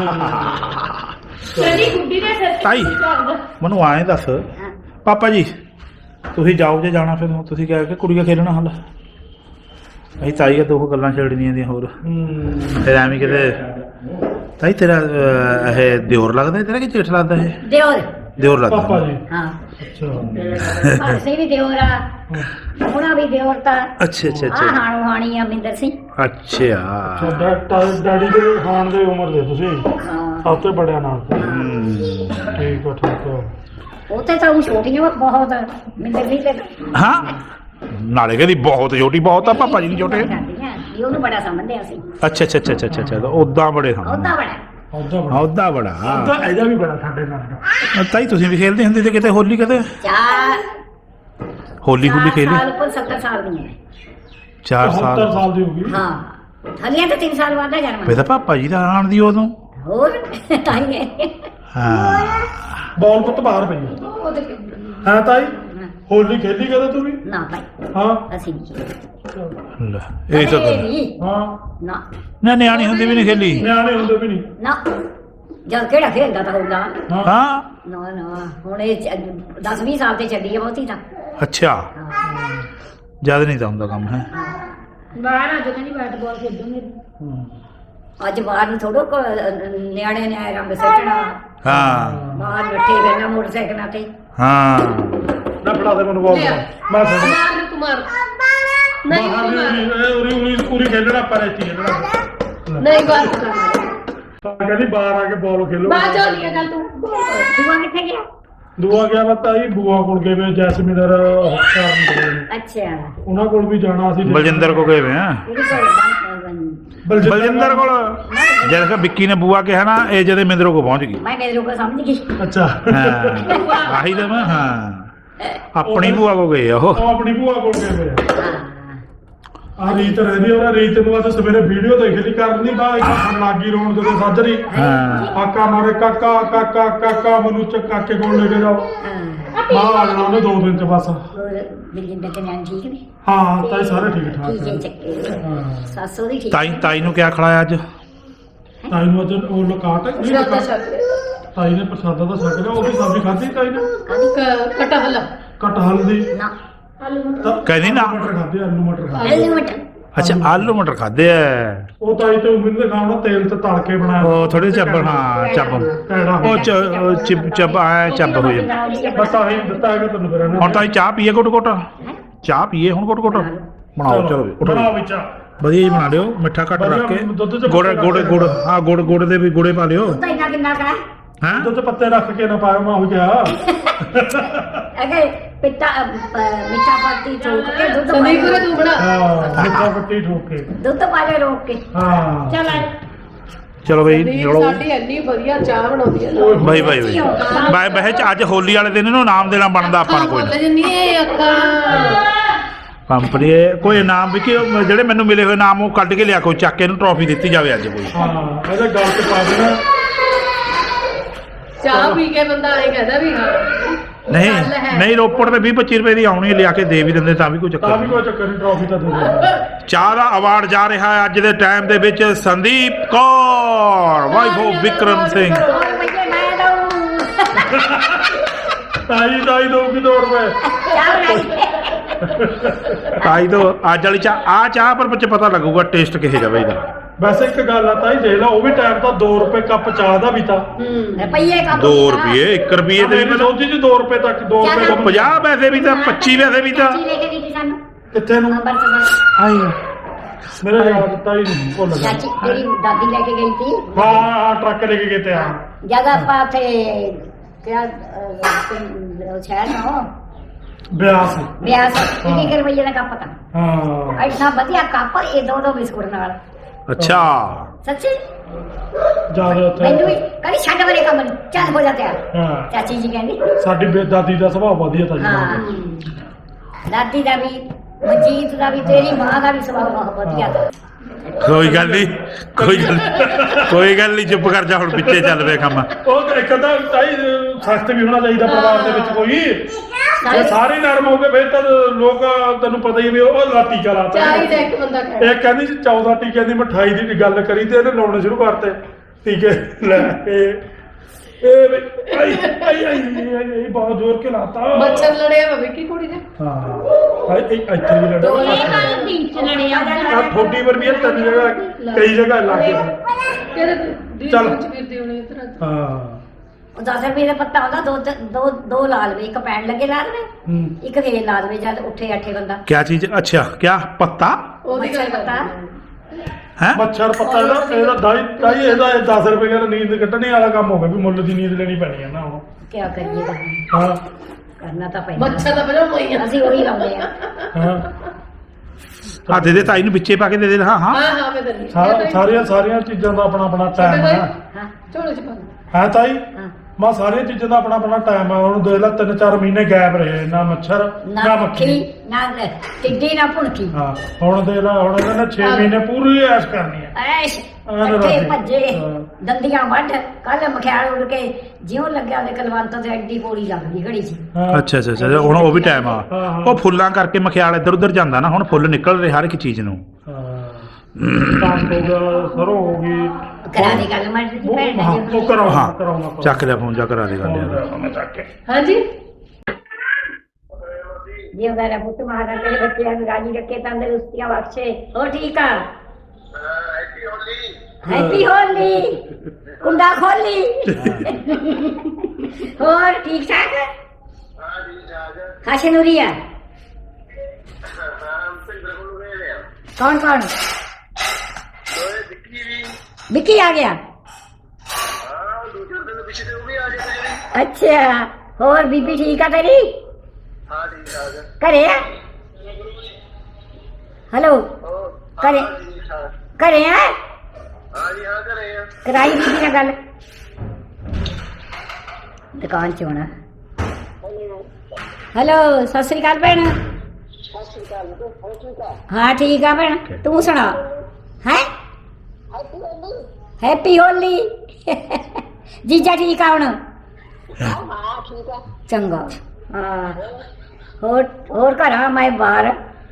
Speaker 3: ਤੇਰੀ ਗੁੱਡੀ ਦੇ ਸਿਰ
Speaker 1: ਤਾਈ ਮੈਨੂੰ ਆਏ ਦੱਸ ਪਾਪਾ ਜੀ ਤੁਸੀਂ ਜਾਓ ਜੇ ਜਾਣਾ ਫਿਰ ਤੁਸੀਂ ਕਹਿ ਕੇ ਕੁੜੀਆਂ ਖੇਲਣਾ ਹੱਲ ਅਸੀਂ ਤਾਈ ਆ 2 ਗੱਲਾਂ ਛੇੜਨੀਆਂ ਦੀਆਂ ਹੋਰ ਫਿਰ ਐਵੇਂ ਕਿਤੇ ਤਾਈ ਤੇਰਾ ਇਹ ਦਿਓਰ ਲੱਗਦਾ ਤੇਰਾ ਕਿ ਜੇਠ ਲੱਗਦਾ ਇਹ ਦਿਓਰ ਲੱਗਦਾ
Speaker 2: ਪਾਪਾ ਜੀ
Speaker 3: ਹਾਂ
Speaker 2: ਅੱਛਾ
Speaker 3: ਅਸੀਂ ਵੀ ਦਿਓਰ ਆ ਉਹਨਾਂ ਵੀ ਦਿਓਰ ਤਾਂ
Speaker 1: ਅੱਛਾ ਅੱਛਾ
Speaker 3: ਆ
Speaker 1: ਅੱਛਾ
Speaker 3: ਹਾਣੂ ਹਾਣੀ ਆ ਮਿੰਦਰ ਸਿੰਘ
Speaker 1: ਅੱਛਾ
Speaker 2: ਤੁਹਾਡਾ ਡੈਡੀ ਦੇ ਖਾਣ ਦੇ ਉਮਰ ਦੇ ਤੁਸੀਂ
Speaker 3: ਹਾਂ
Speaker 2: ਸਭ ਤੋਂ ਬੜਿਆ ਨਾਲ
Speaker 1: ਹਮ,
Speaker 2: ਠੀਕ ਹੈ
Speaker 3: ਉੱਥੇ ਤਾਂ ਉਹ ਛੋਟੀਆਂ ਬਹੁਤ ਮਿੰਦਰ ਸਿੰਘ ਤੇ
Speaker 1: ਹਾਂ ਨਾਲੇ ਕਹਿੰਦੀ ਬਹੁਤ ਛੋਟੀ ਬਹੁਤ ਆ ਪਾਪਾ ਜੀ ਦੀ ਛੋਟੇ
Speaker 3: ਵੀ ਉਹਨੂੰ ਬੜਾ ਸਮਝਦੇ ਅਸੀਂ
Speaker 1: ਅੱਛਾ ਅੱਛਾ ਅੱਛਾ ਅੱਛਾ ਅੱਛਾ ਉਦਾਂ ਬੜੇ ਹਾਂ
Speaker 3: ਉਹਦਾ ਬੜਾ
Speaker 2: ਉਹਦਾ ਬੜਾ
Speaker 1: ਉਦਾਂ ਬੜਾ
Speaker 2: ਉਹਦਾ ਇਹਦਾ ਵੀ ਬੜਾ ਸਾਡੇ ਨਾਲ
Speaker 1: ਤਾਈ ਤੁਸੀਂ ਵੀ ਖੇਲਦੇ ਹੁੰਦੇ ਤੇ ਕਿਤੇ ਹੋਲੀ ਕਦੇ
Speaker 3: ਚਾਰ
Speaker 1: ਹੋਲੀ ਹੁਲੀ ਖੇਲੀ
Speaker 3: ਸਾਲ ਉੱਪਰ 70 ਸਾਲ ਦੀ ਹੈ
Speaker 1: 4 ਸਾਲ
Speaker 2: 70 ਸਾਲ ਦੀ ਹੋ ਗਈ
Speaker 3: ਹਾਂ ਹਲੀਆਂ ਤਾਂ 3 ਸਾਲ ਬਾਅਦ ਦਾ ਜਨਮ
Speaker 1: ਵੇ ਤਾਂ ਪਾਪਾ ਜੀ ਦਾ ਆਣ ਦੀ ਉਦੋਂ
Speaker 3: ਹੋਰ ਤਾਈ
Speaker 1: ਹਾਂ
Speaker 2: ਬਾਲ ਪੁੱਤ ਬਾਹਰ ਪਈ ਹਾਂ ਤਾਈ ਹੋਲੀ ਖੇਲੀ ਕਦੇ ਤੂੰ ਵੀ
Speaker 3: ਨਾ ਭਾਈ
Speaker 2: ਹਾਂ
Speaker 3: ਅਸੀਂ ਨਹੀਂ
Speaker 1: ਲੈ, ਇਹ ਤਾਂ ਗੱਲ-
Speaker 3: ਨਹੀਂ
Speaker 2: ਹਾਂ
Speaker 3: ਨਾ
Speaker 1: ਨਾ ਨਿਆਣੀ ਹੁੰਦੀ ਵੀ ਨਹੀਂ ਖੇਲੀ
Speaker 2: ਨਿਆਣੇ ਹੁੰਦੇ ਵੀ ਨਹੀਂ
Speaker 3: ਨਾ ਜਦ ਕਿਹੜਾ ਖੇਡਦਾ ਤਾਂ ਹੋਊਗਾ
Speaker 1: ਹਾਂ
Speaker 3: ਨਾ ਨਾ ਹੁਣ ਇਹ 10-20 ਸਾਲ ਤੇ ਚੱਲੀ ਹੈ ਬਹੁਤੀ ਤਾਂ
Speaker 1: ਅੱਛਾ
Speaker 3: ਹਾਂ।
Speaker 1: ਜਦ ਨਹੀਂ ਤਾਂ ਹੁੰਦਾ ਕੰਮ ਹੈ
Speaker 3: ਬਾਹਰ ਆ ਜਦੋਂ ਨਹੀਂ ਬੈਟਬਾਲ ਖੇਡੂਗੇ ਅੱਜ ਬਾਹਰ ਨੂੰ ਥੋੜੋ ਨਿਆਣੇ ਨੇ ਰੰਗ ਸੱਟਣਾ
Speaker 1: ਹਾਂ
Speaker 3: ਬਾਹਰ ਬੈਠੇ ਰਹਿਣਾ ਮੋਟਰਸਾਈਕਲਾਂ ਤੇ
Speaker 1: ਹਾਂ
Speaker 2: ਨਾ ਫੜਾ ਦੇ ਮੈਨੂੰ ਬਾਲ ਮੈਂ ਫੜ
Speaker 4: ਮਾਰ ਨੂੰ ਕੁਮਾਰ ਨਹੀਂ
Speaker 2: ਬਾਹਰ
Speaker 4: ਕੁਮਾਰ
Speaker 2: ਉਰੀ ਪੂਰੀ ਖੇਡਣਾ ਪਰ ਇੱਥੇ ਖੇਡਣਾ
Speaker 4: ਨਹੀਂ ਬਾਤ ਕਰ
Speaker 2: ਤਾਂ ਕਹਿੰਦੀ ਬਾਹਰ ਆ ਕੇ ਬਾਲ ਖੇਲੋ
Speaker 4: ਬਾਤ ਹੋ ਰਹੀ ਹੈ ਗੱਲ ਤੂੰ
Speaker 3: ਦੂਆ ਕਿੱਥੇ ਗਿਆ
Speaker 2: ਦੁਆ ਗਿਆ ਬਤਾਈ ਬੂਆ ਕੋਲ ਗਏ ਵੇ ਜੈਸਮੀਨਰ ਹਸਪਤਾਲ
Speaker 3: ਅੱਛਾ
Speaker 2: ਉਹਨਾਂ ਕੋਲ ਵੀ ਜਾਣਾ ਸੀ
Speaker 1: ਬਲਜਿੰਦਰ ਕੋ ਗਏ ਵੇ ਆ
Speaker 3: ਉਹਦੇ ਕੋਲ
Speaker 1: ਬਲਜਿੰਦਰ ਕੋਲ ਜਦ ਕਿ ਵਿੱਕੀ ਨੇ ਬੂਆ ਕਿਹਾ ਨਾ ਇਹ ਜਦੇ ਮਿੰਦਰੋ ਕੋ ਪਹੁੰਚ ਗਈ
Speaker 3: ਮੈਂ ਮੇਰੇ ਕੋਲ ਸਮਝ ਗਈ
Speaker 2: ਅੱਛਾ
Speaker 1: ਹਾਂ ਆਹੀ ਤਾਂ ਮੈਂ ਹਾਂ ਆਪਣੀ ਬੂਆ ਕੋ ਗਏ ਆ ਉਹ
Speaker 2: ਉਹ ਆਪਣੀ ਭੂਆ ਕੋਲ ਗਏ ਵੇ
Speaker 3: ਹਾਂ
Speaker 2: ਆ ਰੀਤ ਰਹਿੰਦੀ ਉਹਦਾ ਰੀਤ ਨੂੰ ਅੱਜ ਸਵੇਰੇ ਵੀਡੀਓ ਦੇਖ ਲਈ ਕਰਨੀ ਬਾ ਇੱਕ ਲੱਗੀ ਰੋਣ ਜਦੋਂ ਸਾਜਰੀ
Speaker 1: ਹਾਂ
Speaker 2: ਕਾਕਾ ਮਾਰੇ ਕਾਕਾ ਕਾਕਾ ਕਾਕਾ ਮੈਨੂੰ ਚੱਕ ਕਾਕੇ ਕੋਲ ਲੈ ਕੇ ਜਾਓ
Speaker 3: ਹਾਂ
Speaker 2: ਮਾਂ ਆ ਜਾਣਾ ਉਹਨੇ 2 ਦਿਨ ਚ ਬਸ
Speaker 3: ਹੋਰ ਬਿਲਜਿੰਦਰ ਦੇ ਨਿਆਣੇ ਠੀਕ ਨੇ
Speaker 2: ਹਾਂ ਤਾਈ ਸਾਰੇ ਠੀਕ ਠਾਕ
Speaker 3: ਠੀਕ ਹੈ
Speaker 2: ਹੈ
Speaker 3: ਚੱਕੇ
Speaker 2: ਹਾਂ
Speaker 3: ਸਾਸੋ ਦੀ ਠੀਕ
Speaker 1: ਤਾਈ ਨੂੰ ਕਿਆ ਖਿਲਾਇਆ ਅੱਜ
Speaker 2: ਤਾਈ ਨੂੰ ਅੱਜ ਉਹ ਲਕਾਟ ਨਹੀਂ
Speaker 4: ਸ਼ਰਦਾ
Speaker 2: ਲਕਾਟ
Speaker 4: ਸ਼ਰਦਾ
Speaker 2: ਤਾਈ ਨੇ ਪ੍ਰਸਾਦਾ ਤਾਂ ਛਕ ਲਿਆ, ਉਹਦੀ ਸਬਜ਼ੀ ਖਾਧੀ ਤਾਈ ਨੇ
Speaker 4: ਕਟਹਲ
Speaker 2: ਕਟਹਲ ਦੀ
Speaker 3: ਨਾ
Speaker 1: ਕਹਿੰਦੀ ਨਾ
Speaker 2: ਮਟਰ ਖਾਧੇ, ਆਲੂ ਮਟਰ ਖਾਧੇ।
Speaker 3: ਆਲੂ ਮਟਰ
Speaker 1: ਅੱਛਾ ਆਲੂ ਮਟਰ ਖਾਦੇ ਆ
Speaker 2: ਉਹ ਤਾਈ ਤੇ ਉਮੀਦ ਦੇ ਖਾਣਾ ਤੇਲ ਤੇ ਤਲ ਕੇ ਬਣਾਇਆ,
Speaker 1: ਉਹ ਥੋੜੇ ਚੱਬ ਹਾਂ ਚੱਬ
Speaker 2: ਕੈੜਾ
Speaker 1: ਉਹ ਚੱਬ ਆ ਚੱਬ ਹੋ ਜਾਂਦਾ
Speaker 2: ਬਸ ਆਹੀ ਦਿੱਤਾ ਹੈਗਾ ਤੈਨੂੰ ਫਿਰ ਇਹਨਾਂ
Speaker 1: ਹੁਣ ਤਾਂ ਅਸੀਂ ਚਾਹ ਪੀਏ ਘੁੱਟ ਘੁੱਟ ਚਾਹ ਪੀਏ ਹੁਣ ਘੁੱਟ ਘੁੱਟ ਬਣਾਓ ਚਲੋ ਵੀ,
Speaker 2: ਬਣਾਓ
Speaker 1: ਉੱਠੋ
Speaker 2: ਵਿੱਚ
Speaker 1: ਵਧੀਆ ਜੀ ਬਣਾ ਲਿਓ ਮਿੱਠਾ ਘੱਟ ਰੱਖ ਕੇ
Speaker 2: ਦੁੱਧ ਚ
Speaker 1: ਗੁੜ ਗੁੜ ਗੁੜ ਹਾਂ ਗੁੜ ਗੁੜ ਦੇ ਵੀ ਗੁੜੇ ਪਾ ਲਿਓ
Speaker 3: ਤਾਂ ਇੰਨਾ ਕਿੰਨਾ ਕਾ
Speaker 1: ਹੈਂ
Speaker 2: ਦੁੱਧ ਚ ਪੱਤੇ ਰੱਖ ਕੇ ਨਾ ਪਾਇਆ, ਮੈਂ ਹੋ ਗਿਆ
Speaker 3: ਅਗੇ ਪਿੱਤਾ ਮਿੱਠਾ ਪਾਤੀ ਠੋਕ ਕੇ ਦੁੱਧ ਪਾ
Speaker 4: ਸੰਦੀਪ
Speaker 3: ਲਿਓ।
Speaker 4: ਤੂੰ ਬਣਾ
Speaker 2: ਹਾਂ ਮਿੱਠਾ ਪੱਤੀ ਠੋਕ ਕੇ
Speaker 3: ਦੁੱਧ ਪਾ ਲਿਓ ਰੋਕ ਕੇ
Speaker 2: ਹਾਂ
Speaker 3: ਚੱਲ
Speaker 1: ਚਲੋ ਬਈ
Speaker 4: ਸੰਦੀਪ
Speaker 1: ਚਲੋ
Speaker 4: ਸਾਡੀ ਇੰਨੀ ਵਧੀਆ ਚਾਹ ਬਣਾਉਂਦੀ ਹੈ ਨਾ
Speaker 1: ਬਾਈ ਬਾਈ ਬਾਈ ਬਾਈ ਬਹਿ ਚ ਅੱਜ ਹੋਲੀ ਵਾਲੇ ਦਿਨ ਇਹਨੂੰ ਨਾਮ ਦੇਣਾ ਬਣਦਾ ਆਪਾਂ ਨੂੰ ਕੋਈ
Speaker 4: ਬੋਲ ਜੰਨੀ ਇਹ ਅੱਖਾਂ
Speaker 1: ਕੰਪਨੀ ਕੋਈ ਇਨਾਮ ਵੀ ਕਿ ਉਹ ਜਿਹੜੇ ਮੈਨੂੰ ਮਿਲੇ ਹੋਏ ਇਨਾਮ ਉਹ ਕੱਢ ਕੇ ਲਿਆ ਕੋਈ ਚੱਕ ਕੇ ਇਹਨੂੰ ਟਰੋਫੀ ਦਿੱਤੀ ਜਾਵੇ ਅੱਜ ਕੋਈ
Speaker 2: ਹਾਂ ਇਹਦੇ ਗੱਲ ਤੇ ਪਾ ਦੇਣਾ
Speaker 4: ਚਾਹ ਪੀ ਕੇ ਬੰਦਾ ਐਂ ਕਹਿੰਦਾ ਵੀ ਹਾਂ
Speaker 1: ਨਹੀਂ
Speaker 4: ਗੱਲ ਹੈ।
Speaker 1: ਨਹੀਂ ਰੋਪੜ ਤੇ 20-25 ਰੁਪਏ ਦੀ ਆਉਣੀ ਹੈ, ਲਿਆ ਕੇ ਦੇ ਵੀ ਦਿੰਦੇ ਤਾਂ ਵੀ ਕੋਈ ਚੱਕਰ
Speaker 2: ਤਾਂ ਵੀ
Speaker 1: ਨਹੀਂ
Speaker 2: ਕੋਈ ਚੱਕਰ ਨਹੀਂ, ਟਰਾਫੀ ਤਾਂ ਦੇ ਦੇ।
Speaker 1: ਚਾਹ ਦਾ ਅਵਾਰਡ ਜਾ ਰਿਹਾ ਹੈ ਅੱਜ ਦੇ ਟਾਈਮ ਦੇ ਵਿੱਚ ਸੰਦੀਪ ਕੌਰ ਵਾਈਫ ਆਫ ਵਿਕਰਮ ਸਿੰਘ
Speaker 3: ਹੋਰ ਬੱਚੇ ਮੈਂ ਦਊਂ
Speaker 2: ਤਾਈ ਦਊਗੀ 2 ਰੁਪਏ
Speaker 3: ਚਾਹ ਬਣਾਈ
Speaker 1: ਤਾਈ ਤੋਂ ਅੱਜ ਵਾਲੀ ਚਾਹ ਆ ਚਾਹ ਪਰ ਬੱਚੇ ਪਤਾ ਲੱਗੂਗਾ ਟੇਸਟ ਕਿਹੋ ਜਿਹਾ ਇਹਦਾ
Speaker 2: ਵੈਸੇ ਇੱਕ ਗੱਲ ਆ ਤਾਈ ਦੇਖ ਲਾ, ਉਹ ਵੀ ਟਾਈਮ ਤਾਂ 2 ਰੁਪਏ ਕੱਪ ਚਾਹ ਦਾ ਵੀ ਤਾਂ
Speaker 3: ਰੁਪਈਏ ਕਾ
Speaker 1: 2 ਰੁਪਏ 1 ਰੁਪਏ ਤੇ ਵੀ
Speaker 2: ਮੈਂ ਸੋਚੀ ਜੀ 2 ਰੁਪਏ ਤੱਕ 2 ਰੁਪਏ
Speaker 3: ਚੱਲ।
Speaker 2: ਕੱਪ
Speaker 1: 50 ਪੈਸੇ ਵੀ ਤਾਂ 25 ਪੈਸੇ ਵੀ ਤਾਂ
Speaker 3: ਲੈ ਕੇ ਦਿੱਤੀ ਸਾਨੂੰ
Speaker 2: ਕਿੱਥੇ ਨੂੰ
Speaker 3: ਅੰਬਰਸਰ
Speaker 1: ਆਈ
Speaker 2: ਮੇਰੇ ਯਾਦ ਤਾਈ ਨੂੰ ਭੁੱਲ ਗਿਆ।
Speaker 3: ਚਾਚੀ ਤੇਰੀ ਦਾਦੀ ਲੈ ਕੇ ਗਈ ਸੀ
Speaker 2: ਹਾਂ ਟਰੱਕ ਲੈ ਕੇ ਗਏ ਤੇ ਆ
Speaker 3: ਜਦ ਆਪਾਂ ਉੱਥੇ ਕਿਆ ਸ਼ਹਿਰ ਨੂੰ
Speaker 2: ਬਿਆਸ
Speaker 3: ਵਿਆਹ ਸੀ 1 ਰੁਪਈਏ ਦਾ ਕੱਪ ਤਾਂ
Speaker 2: ਹਾਂ
Speaker 3: ਐਸਾ ਵਧੀਆ ਕੱਪ ਇਹ ਦੋ ਬਿਸਕੁਟ ਨਾਲ
Speaker 1: ਅੱਛਾ
Speaker 3: ਸੱਚੀ
Speaker 2: ਜਿਆਦਾ ਉੱਥੇ
Speaker 3: ਮੈਨੂੰ ਵੀ ਕਦੀ ਛੱਡ ਵਾਲੇ ਕੰਮ ਨੂੰ ਚੱਲ ਹੋ ਜਾ ਤਿਆਰ
Speaker 2: ਹਾਂ
Speaker 3: ਚਾਚੀ ਜੀ ਕਹਿੰਦੀ
Speaker 2: ਸਾਡੀ ਦਾਦੀ ਦਾ ਸੁਭਾਅ ਵਧੀਆ ਤਾਂ
Speaker 3: ਹਾਂ
Speaker 2: ਜੀ
Speaker 3: ਦਾਦੀ ਦਾ ਵੀ ਮਨਜੀਤ ਦਾ ਵੀ ਤੇਰੀ ਮਾਂ ਦਾ ਵੀ ਸੁਭਾਅ ਬਹੁਤ ਵਧੀਆ ਤਾ
Speaker 1: ਕੋਈ ਗੱਲ ਨਹੀਂ ਕੋਈ ਗੱਲ ਨਹੀਂ ਚੁੱਪ ਕਰ ਜਾ ਹੁਣ ਪਿੱਛੇ ਚੱਲ ਪਿਆ ਕੰਮ
Speaker 2: ਉਹ ਇੱਕ ਤਾਂ ਤਾਈ ਸਖਤ ਵੀ ਹੋਣਾ ਚਾਹੀਦਾ ਪਰਿਵਾਰ ਦੇ ਵਿੱਚ ਕੋਈ ਜੇ ਸਾਰੇ ਨਰਮ ਹੋ ਗਏ ਫਿਰ ਤਾਂ ਲੋਕ ਤੈਨੂੰ ਪਤਾ ਹੀ ਵੀ ਉਹ ਲਾਟੀ ਚਲਾਤਾ
Speaker 4: ਚਾਹ ਹੀ ਦਾ ਇੱਕ ਬੰਦਾ ਕਹਿੰਦਾ
Speaker 2: ਇਹ ਕਹਿੰਦੀ ਸੀ 14 ਟੀਕਿਆਂ ਦੀ ਮਠਾਈ ਦੀ ਗੱਲ ਕਰੀ ਤੇ ਇਹਨੇ ਲਾਉਣੇ ਸ਼ੁਰੂ ਕਰਤੇ ਟੀਕੇ ਲੈ ਇਹ ਬਹੁਤ ਜ਼ੋਰ ਕੇ ਲਾਤਾ
Speaker 4: ਮੱਛਰ ਲੜਿਆ ਵਾ ਵਿੱਕੀ ਕੁੜੀ ਨੇ
Speaker 2: ਹਾਂ ਇਹ ਇੱਥੇ ਵੀ ਲੜਾ ਆ ਥੋੜੀ ਪਰ ਵੀ ਇਹ 3 ਜਗ੍ਹਾ ਕਈ ਜਗ੍ਹਾ ਲੱਗ ਗਏ
Speaker 4: ਕਿਹੜੇ ਦੀ
Speaker 2: ਚੱਲ।
Speaker 4: ਵਿੱਚ ਫਿਰਦੇ ਹੋਣੇ ਇਧਰ
Speaker 2: ਹਾਂ
Speaker 3: ਉਹ 10 ਰੁਪਏ ਦਾ ਪੱਤਾ ਹੁੰਦਾ ਦੋ ਲਾ ਲਵੇ ਇੱਕ ਪੈਣ ਲੱਗੇ ਲਾ ਲਵੇ ਇੱਕ ਫੇਰ ਲਾ ਲਵੇ ਜਦ ਉੱਠੇ ਅੱਠੇ ਬੰਦਾ
Speaker 1: क्या चीज अच्छा क्या पत्ता
Speaker 4: ਉਹਦੀ ਗੱਲ
Speaker 3: ਮੱਛਰ ਪੱਤਾ
Speaker 1: है
Speaker 2: ਮੱਛਰ ਪੱਤਾ ਇਹਦਾ ਦਾਈ ਇਹਦਾ 10 ਰੁਪਏ ਦਾ ਨੀਂਦ ਕੱਢਣੇ ਵਾਲਾ ਕੰਮ ਹੋ ਗਿਆ ਵੀ ਮੁੱਲ ਦੀ ਨੀਂਦ ਲੈਣੀ ਪੈਣੀ ਹੈ ਨਾ ਹੁਣ
Speaker 3: ਕੀ ਕਰੀਏ
Speaker 2: ਹਾਂ
Speaker 3: ਕਰਨਾ ਤਾਂ ਪੈਂਦਾ
Speaker 4: ਮੱਛਰ ਦਾ ਬਣਾ ਪਈਆਂ
Speaker 3: ਅਸੀਂ ਉਹੀ ਲਾਉਂਦੇ ਆ
Speaker 2: ਹਾਂ
Speaker 1: हाँ दे दे ताई नु बिच्चे पा के दे दे हाँ हाँ
Speaker 4: ਹਾਂ ਮੈਂ ਦੰਨੀ
Speaker 2: ਸਾਰੀਆਂ ਚੀਜ਼ਾਂ ਦਾ ਆਪਣਾ ਟਾਈਮ ਹੈ
Speaker 3: ਹਾਂ
Speaker 4: ਝੋਲੇ ਚ ਪਾ
Speaker 2: ਹੈ ਤਾਈ
Speaker 3: ਹਾਂ
Speaker 2: ਮਾ ਸਾਰੀਆਂ ਚੀਜ਼ਾਂ ਦਾ ਆਪਣਾ ਟਾਈਮ ਹੈ ਉਹਨੂੰ ਦੇਖ ਲੈ 3-4 ਮਹੀਨੇ ਗਾਇਬ ਰਹੇ ਨਾ ਮੱਛਰ
Speaker 3: ਨਾ
Speaker 2: ਨਾ
Speaker 3: ਮੱਖੀ
Speaker 2: ਮੱਖੀ
Speaker 3: ਨਾ ਟਿੱਡੀ ਨਾ ਭੁਣਕੀ
Speaker 2: ਹਾਂ ਹੁਣ ਦੇਖ ਲੈ ਹੁਣ ਇਹਨਾਂ ਨੇ 6 ਮਹੀਨੇ ਪੂਰੀ ਐਸ਼ ਕਰਨੀ ਹੈ
Speaker 3: ਐਸ਼
Speaker 2: ਐਨ
Speaker 3: ਇੱਥੇ
Speaker 2: ਰੱਖੇ।
Speaker 3: ਭੱਜੇ
Speaker 2: ਹਾਂ।
Speaker 3: ਦੰਦੀਆਂ ਵੱਢ ਕੱਲ ਮਖਿਆਲ ਉੱਡ ਕੇ ਜਿਉਂ ਲੱਗਿਆ ਉਹਦੇ ਕਲਵੰਤ ਤੇ ਐਡੀ ਪੌੜੀ ਲੱਗਦੀ ਘੜੀ 'ਚ
Speaker 2: ਹਾਂ।
Speaker 1: अच्छा अच्छा अच्छा ਹੁਣ ਉਹ ਵੀ ਟਾਈਮ ਆ
Speaker 2: ਹਾਂ, ਹਾਂ।
Speaker 1: ਉਹ ਫੁੱਲਾਂ ਕਰਕੇ ਮਖਿਆਲ ਇੱਧਰ ਉੱਧਰ ਜਾਂਦਾ ਨਾ ਹੁਣ ਫੁੱਲ ਨਿਕਲ ਰਹੇ ਹਰ ਇੱਕ ਚੀਜ਼ ਨੂੰ
Speaker 2: ਕੰਮ ਹੋ ਗਿਆ ਸਰੋਂ ਹੋ ਗਈ
Speaker 3: ਕਰਾ ਦੇ ਗੱਲ ਮੈਂ ਜੀ ਭੈਣ
Speaker 2: ਹਾਂ
Speaker 3: ਜੀ
Speaker 2: ਉਹ ਕਰਾਉਣਾ
Speaker 1: ਹਾਂ
Speaker 2: ਕਰਾਉਣਾ
Speaker 1: ਚੱਕ ਲਿਆ ਫੋਨ ਜਾ ਕਰਾ ਦੇ ਗੱਲ ਯਾਰ
Speaker 2: ਮੈਂ ਚੱਕ ਕੇ
Speaker 4: ਹਾਂਜੀ
Speaker 3: ਜੀ ਉਹਦਾ ਪੁੱਤ ਮਹਾਰਾਜ ਤੇਰੇ ਬੱਚਿਆਂ ਨੂੰ ਰਾਜੀ ਰੱਖੇ ਤੰਦਰੁਸਤੀਆਂ ਬਖਸ਼ੇ ਹੋ ਠੀਕ ਆ ਹੈਪੀ ਹੋਲੀ ਕੁੰਡਾ ਖੋਲੀ ਹੋਰ ਠੀਕ ਠਾਕ ਖਾਸੇ ਨੂਰੀਆ कौन कौन विक्की आ गया अच्छा और बीबी ठीक है तेरी करे हेलो करे करे हैं कराई बीबी ने गल दुकान च होना हेलो सत श्री अकाल भैन हाँ ठीक है भैन तू सुना है हैप्पी होली जीजा ठीक है हुण चंगा हाँ होर घर मैं बाहर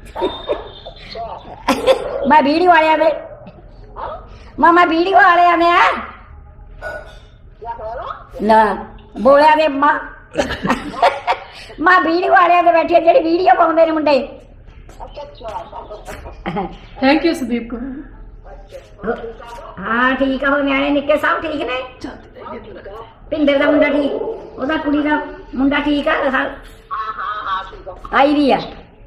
Speaker 3: मैं वीडियो वाले में मैं वीडियो वाले में ਨਾ ਬੋਲਿਆ ਦੇ ਮਾਂ ਮਾਂ ਵੀਡੀਓ ਵਾਲਿਆਂ ਦੇ ਬੈਠੇ ਜਿਹੜੀ ਵੀਡੀਓ ਪਾਉਂਦੇ ਨੇ ਮੁੰਡੇ
Speaker 4: ਥੈਂਕ ਯੂ ਸੰਦੀਪ ਕੋ
Speaker 3: ਹਾਂ ਠੀਕ ਆ ਉਹ ਨਿਆਣੇ ਨਿੱਕੇ ਸਭ ਠੀਕ ਨੇ ਪਿੰਦਰ ਦਾ ਮੁੰਡਾ ਠੀਕ ਉਹਦਾ ਕੁੜੀ ਦਾ ਮੁੰਡਾ ਠੀਕ ਆ ਆਈ ਦੀ ਆ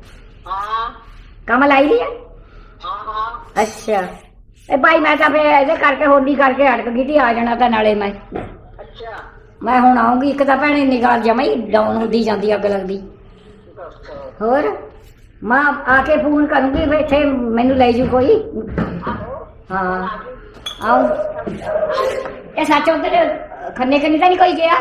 Speaker 3: ਕਮਲ ਆਈ ਦੀ ਆ ਅੱਛਾ ਇਹ ਭਾਈ ਮੈਂ ਤਾਂ ਫੇਰ ਇਹਦੇ ਕਰਕੇ ਹੋਲੀ ਕਰਕੇ ਅਟਕ ਗਈ ਤੀ ਆ ਜਾਣਾ ਤਾਂ ਨਾਲੇ ਮੈਂ ਹੁਣ ਆਉਂਗੀ ਇੱਕ ਤਾਂ ਭੈਣੇ ਨਿਗਾਹ ਜਮਾ ਹੀ ਡਾਊਨ ਹੁੰਦੀ ਜਾਂਦੀ ਅੱਗ ਲੱਗਦੀ ਹੋਰ ਮਾਂ ਆ ਕੇ ਫੋਨ ਕਰੂੰਗੀ ਫਿਰ ਇੱਥੇ ਮੈਨੂੰ ਲੈ ਜੂ ਕੋਈ ਹਾਂ ਆਉ ਇਹ ਸੱਚ ਉਧਰ ਖੰਨੇ ਖੰਨੇ ਤਾਂ ਨਹੀਂ ਕੋਈ ਗਿਆ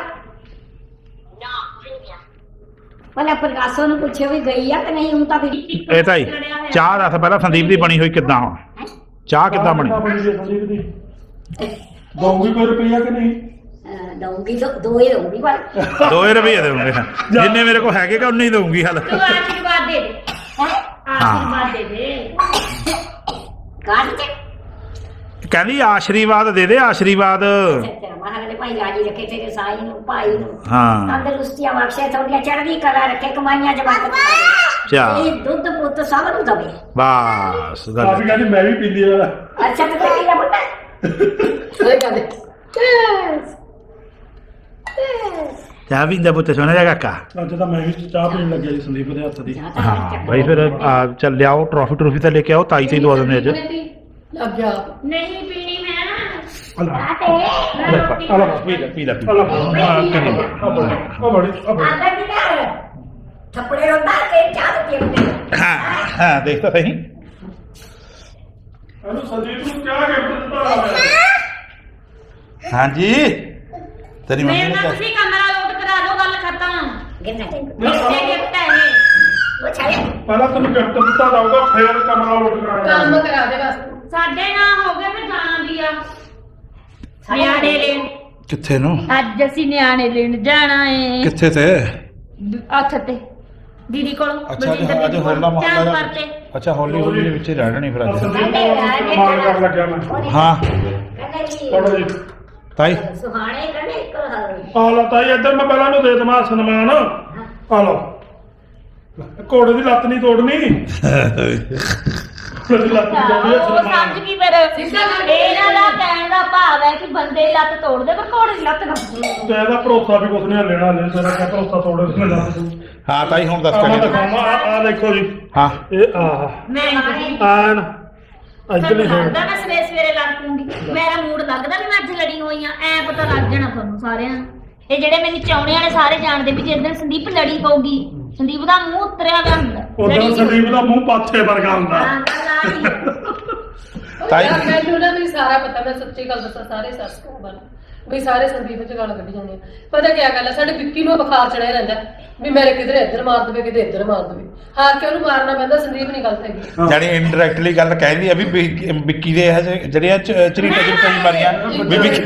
Speaker 3: ਭਲਾ ਪ੍ਰਕਾਸ਼ੋਂ ਨੂੰ ਪੁੱਛਿਓ ਵੀ ਗਈ ਆ ਕਿ ਨਹੀਂ ਹੁਣ ਤਾਂ ਫਿਰ
Speaker 1: ਇਹ ਤਾਂ ਹੀ ਚਾਹ ਦੱਸ ਪਹਿਲਾਂ ਸੰਦੀਪ ਦੀ ਬਣੀ ਹੋਈ ਕਿੱਦਾਂ ਹੁਣ ਚਾਹ ਕਿੱਦਾਂ ਬਣੀ
Speaker 2: ਸੰਦੀਪ ਦੀ ਦਊਗੀ ਕੋਈ ਰੁਪਈਆ ਕਿ ਨਹੀਂ
Speaker 3: ਦਊਂਗੀ ਦੋ ਹੀ ਦਊਂਗੀ ਪਰ
Speaker 1: 2 ਰੁਪਏ ਦੇਵਾਂਗੇ ਜਿੰਨੇ ਮੇਰੇ ਕੋਲ ਹੈਗੇ ਕਿ ਉਨੇ ਹੀ ਦਊਂਗੀ ਹਲ
Speaker 3: ਤੂੰ ਆਸ਼ੀਰਵਾਦ ਦੇ ਦੇ ਆਸ਼ੀਰਵਾਦ ਦੇ ਦੇ ਕਾਟ ਕੇ
Speaker 1: ਕਹਿੰਦੀ ਆਸ਼ੀਰਵਾਦ ਦੇ ਦੇ ਆਸ਼ੀਰਵਾਦ
Speaker 3: ਅੱਛਾ ਮਹਾਰਾਜ ਦੇ ਭਾਈ ਰਾਜੀ ਰੱਖੇ ਤੇਰੇ ਸਾਈ ਨੂੰ ਭਾਈ ਨੂੰ
Speaker 1: ਹਾਂ
Speaker 3: ਤੰਦਰੁਸਤੀਆਂ ਬਖਸ਼ੇ ਤੁਹਾਡੀਆਂ ਚੜ੍ਹਦੀ ਕਲਾ ਰੱਖੇ ਕਮਾਈਆਂ ਜਮਾਤ
Speaker 1: ਚਾ
Speaker 3: ਇਹ ਦੁੱਧ ਪੁੱਤ ਸਭ ਨੂੰ ਦਵੇ
Speaker 1: ਬਸ ਗੱਲ
Speaker 2: ਕਾਫੀ ਕਹਿੰਦੀ ਮੈਂ ਵੀ ਪੀਂਦੀ ਆ
Speaker 3: ਅੱਛਾ ਤੇ ਤੇਰੀ ਦਾ ਪੁੱਤ
Speaker 4: ਸਹੀ ਗੱਲ ਹੈ
Speaker 1: ਚਾਹ ਪੀਂਦਾ ਪੁੱਤ ਸੋਹਣਾ ਜਿਹਾ ਕਾਕਾ
Speaker 2: ਅੱਜ ਤਾਂ ਮੈਂ ਵੀ ਚਾਹ ਪੀਣ ਲੱਗਿਆ ਜੀ ਸੰਦੀਪ ਦੇ ਹੱਥ ਦੀ
Speaker 1: ਹਾਂ ਬਾਈ ਫਿਰ ਚੱਲ ਲਿਆਓ ਟਰੋਫੀ ਤਾਂ ਲੈ ਕੇ ਆਓ ਤਾਈ ਤੇ ਦਵਾ ਦਿੰਦੇ ਅੱਜ
Speaker 4: ਲੱਗ ਗਿਆ
Speaker 3: ਨਹੀਂ ਪੀਣੀ ਮੈਂ
Speaker 2: ਅੱਲਾ
Speaker 3: ਆਤੇ
Speaker 2: ਅੱਲਾ
Speaker 1: ਪੀ ਲੈ
Speaker 2: ਅੱਲਾ ਆ ਬੜੀ
Speaker 3: ਆਂਦਾ ਕੀ ਕਰ ਥੱਪੜੇ ਰੋਂਦਾ ਤੇ ਚਾਹ ਪੀਂਦੇ
Speaker 1: ਹਾਂ ਦੇਖ ਤਾਂ ਸਹੀ
Speaker 2: ਇਹਨੂੰ ਸੰਦੀਪ ਨੂੰ ਕਿਆ ਗਿਫਟ ਦਿੱਤਾ ਹੋਇਆ
Speaker 1: ਹਾਂਜੀ ਤੇਰੀ ਮੰਮੀ
Speaker 6: ਮੇਰੇ
Speaker 1: ਨੇ
Speaker 6: ਨਾਲ ਤੁਸੀਂ ਕਮਰਾ ਲੋਟ ਕਰਾ ਦਿਓ ਗੱਲ ਖਤਮ
Speaker 3: ਗਿਰਨਾ ਚਾਹੀਦਾ
Speaker 6: ਮੇਰੇ ਗਿਫਟ ਹੈ ਇਹ
Speaker 3: ਉਹ ਛਾਇਆ
Speaker 2: ਪਹਿਲਾਂ ਤੈਨੂੰ ਗਿਫਟ ਦਿੱਤਾ ਜਾਊਗਾ ਫੇਰ ਕਮਰਾ ਲੋਟ ਕਰਾਂਗਾ
Speaker 4: ਕੰਮ ਕਰਾ ਦੇ ਬਸ
Speaker 6: ਸਾਡੇ ਨਾਲ ਹੋ ਗਏ ਫਿਰ ਜਾਣਾ ਵੀ ਆ ਨਿਆਣੇ ਲੈਣ
Speaker 1: ਕਿੱਥੇ ਨੂੰ
Speaker 6: ਅੱਜ ਅਸੀਂ ਨਿਆਣੇ ਲੈਣ ਜਾਣਾ ਏ
Speaker 1: ਕਿੱਥੇ ਤੇ
Speaker 6: ਅੱਛ ਤੇ ਦੀਦੀ ਕੋਲੋਂ
Speaker 1: ਅੱਛਾ
Speaker 6: ਬਲਜਿੰਦਰ
Speaker 1: ਅੱਜ
Speaker 6: ਦੀਦੀ
Speaker 1: ਹੋਲਾ
Speaker 6: ਕੋਲੋਂ ਚਾਂਦ
Speaker 1: ਮਹੱਲਾ
Speaker 6: ਕਰਤੇ
Speaker 1: ਅੱਛਾ ਹੌਲੀ ਦੇ ਵਿੱਚ ਹੀ ਰਹਿਣਾ ਨਹੀਂ ਫਿਰ ਅੱਜ
Speaker 2: ਸੰਦੀਪ ਨੂੰ ਮਾਰ ਕਰਨ ਲੱਗਿਆ ਮੈਂ
Speaker 1: ਹਾਂ
Speaker 3: ਕਹਿੰਦਾ ਜੀ
Speaker 2: ਪੜੋ ਜੀ
Speaker 1: ਤਾਈ
Speaker 3: ਸੁਹਾਣੇ ਕਹਿੰਦੇ ਇੱਕ
Speaker 2: ਆ ਲਓ ਤਾਈ ਇੱਧਰ ਮੈਂ ਪਹਿਲਾਂ ਨੂੰ ਦੇ ਦਵਾਂ ਸਨਮਾਨ ਆ ਲਓ ਘੋੜੇ ਦੀ ਲੱਤ ਨਹੀਂ ਤੋੜਨੀ ਘੋੜੇ ਦੀ ਲੱਤ ਨਹੀਂ ਤੋੜਨੀ
Speaker 6: ਉਹ ਸਮਝ ਗਈ ਫਿਰ ਇਹਨਾਂ ਦਾ ਕਹਿਣ ਦਾ ਭਾਵ ਹੈ ਕਿ ਬੰਦੇ ਲੱਤ ਤੋੜਦੇ ਪਰ ਘੋੜੇ ਦੀ ਲੱਤ ਨਾ
Speaker 2: ਤੇ ਇਹਦਾ ਭਰੋਸਾ ਵੀ ਕੁਛ ਨਹੀਂ ਲੈਣਾ ਲੈ ਸਾਰਾ ਕਿਆ ਭਰੋਸਾ ਤੋੜੇ ਉਸ ਨੇ
Speaker 1: ਹਾਂ ਤਾਈ ਹੁਣ ਦੱਸ
Speaker 2: ਮੈਂ
Speaker 1: ਕੇ
Speaker 2: ਦਿਖਾਵਾਂ ਆ ਦੇਖੋ ਜੀ
Speaker 1: ਹਾਂ
Speaker 2: ਇਹ ਆਹ
Speaker 6: ਮੈਂ ਨਹੀਂ
Speaker 2: ਆਨ ਅੱਜ ਨਹੀਂ
Speaker 6: ਤੁਹਾਨੂੰ
Speaker 2: ਹੈ
Speaker 6: ਲੱਗਦਾ ਮੈਂ ਸਵੇਰੇ ਸਵੇਰੇ ਲੜ ਪੂੰਗੀ ਮੇਰਾ ਮੂਡ ਲੱਗਦਾ ਵੀ ਮੈਂ ਅੱਜ ਲੜੀ ਹੋਈ ਆ ਐ ਪਤਾ ਲੱਗ ਜਾਣਾ ਤੁਹਾਨੂੰ ਸਾਰਿਆਂ ਨੂੰ ਇਹ ਜਿਹੜੇ ਮੈਨੂੰ ਚਾਉਣੇ ਵਾਲੇ ਸਾਰੇ ਜਾਣਦੇ ਵੀ ਜਿਸ ਦਿਨ ਸੰਦੀਪ ਲੜੀ ਪਊਗੀ ਸੰਦੀਪ ਦਾ ਮੂੰਹ ਉਤਰਿਆ ਹੋਇਆ ਹੁੰਦਾ
Speaker 2: ਉਦੋਂ ਸੰਦੀਪ ਦਾ ਮੂੰਹ ਪਾਥੇ ਵਰਗਾ ਹੁੰਦਾ
Speaker 6: ਹਾਂ ਗੱਲ ਆ ਰਹੀ ਹੈ।
Speaker 1: ਤਾਈ
Speaker 4: ਮੈਨੂੰ ਨਾ ਵੀ ਸਾਰਾ ਪਤਾ ਮੈਂ ਸੱਚੀ ਗੱਲ ਦੱਸਾਂ ਸਾਰੇ ਸਬਸਕ੍ਰਾਈਬਰ ਵੀ ਸਾਰੇ ਸੰਦੀਪ ਚ ਗੱਲ ਕੱਢੀ ਜਾਂਦੇ ਆ ਪਤਾ ਕੀ ਗੱਲ ਹੈ ਸਾਡੇ ਵਿੱਕੀ ਨੂੰ ਬੁਖਾਰ ਚੜਿਆ ਰਹਿੰਦਾ ਵੀ ਮੇਰੇ ਕਿਧਰੇ ਇੱਧਰ ਮਾਰ ਦੇਵੇ ਕਿਤੇ ਇੱਧਰ ਮਾਰ ਦੇਵੇ ਹਾਰ ਕੇ ਉਹਨੂੰ ਮਾਰਨਾ ਪੈਂਦਾ ਸੰਦੀਪ ਨਹੀਂ ਗਲਤ ਹੈਗੀ
Speaker 1: ਜਾਨੀ ਇਨਡਾਇਰੈਕਟਲੀ ਗੱਲ ਕਹਿੰਦੀ ਆ ਵੀ ਵਿੱਕੀ ਦੇ ਜਿਹੜੀਆਂ ਚਰੀਟਾ ਕਈ ਮਾਰੀਆਂ ਵੀ ਵਿੱਕੀ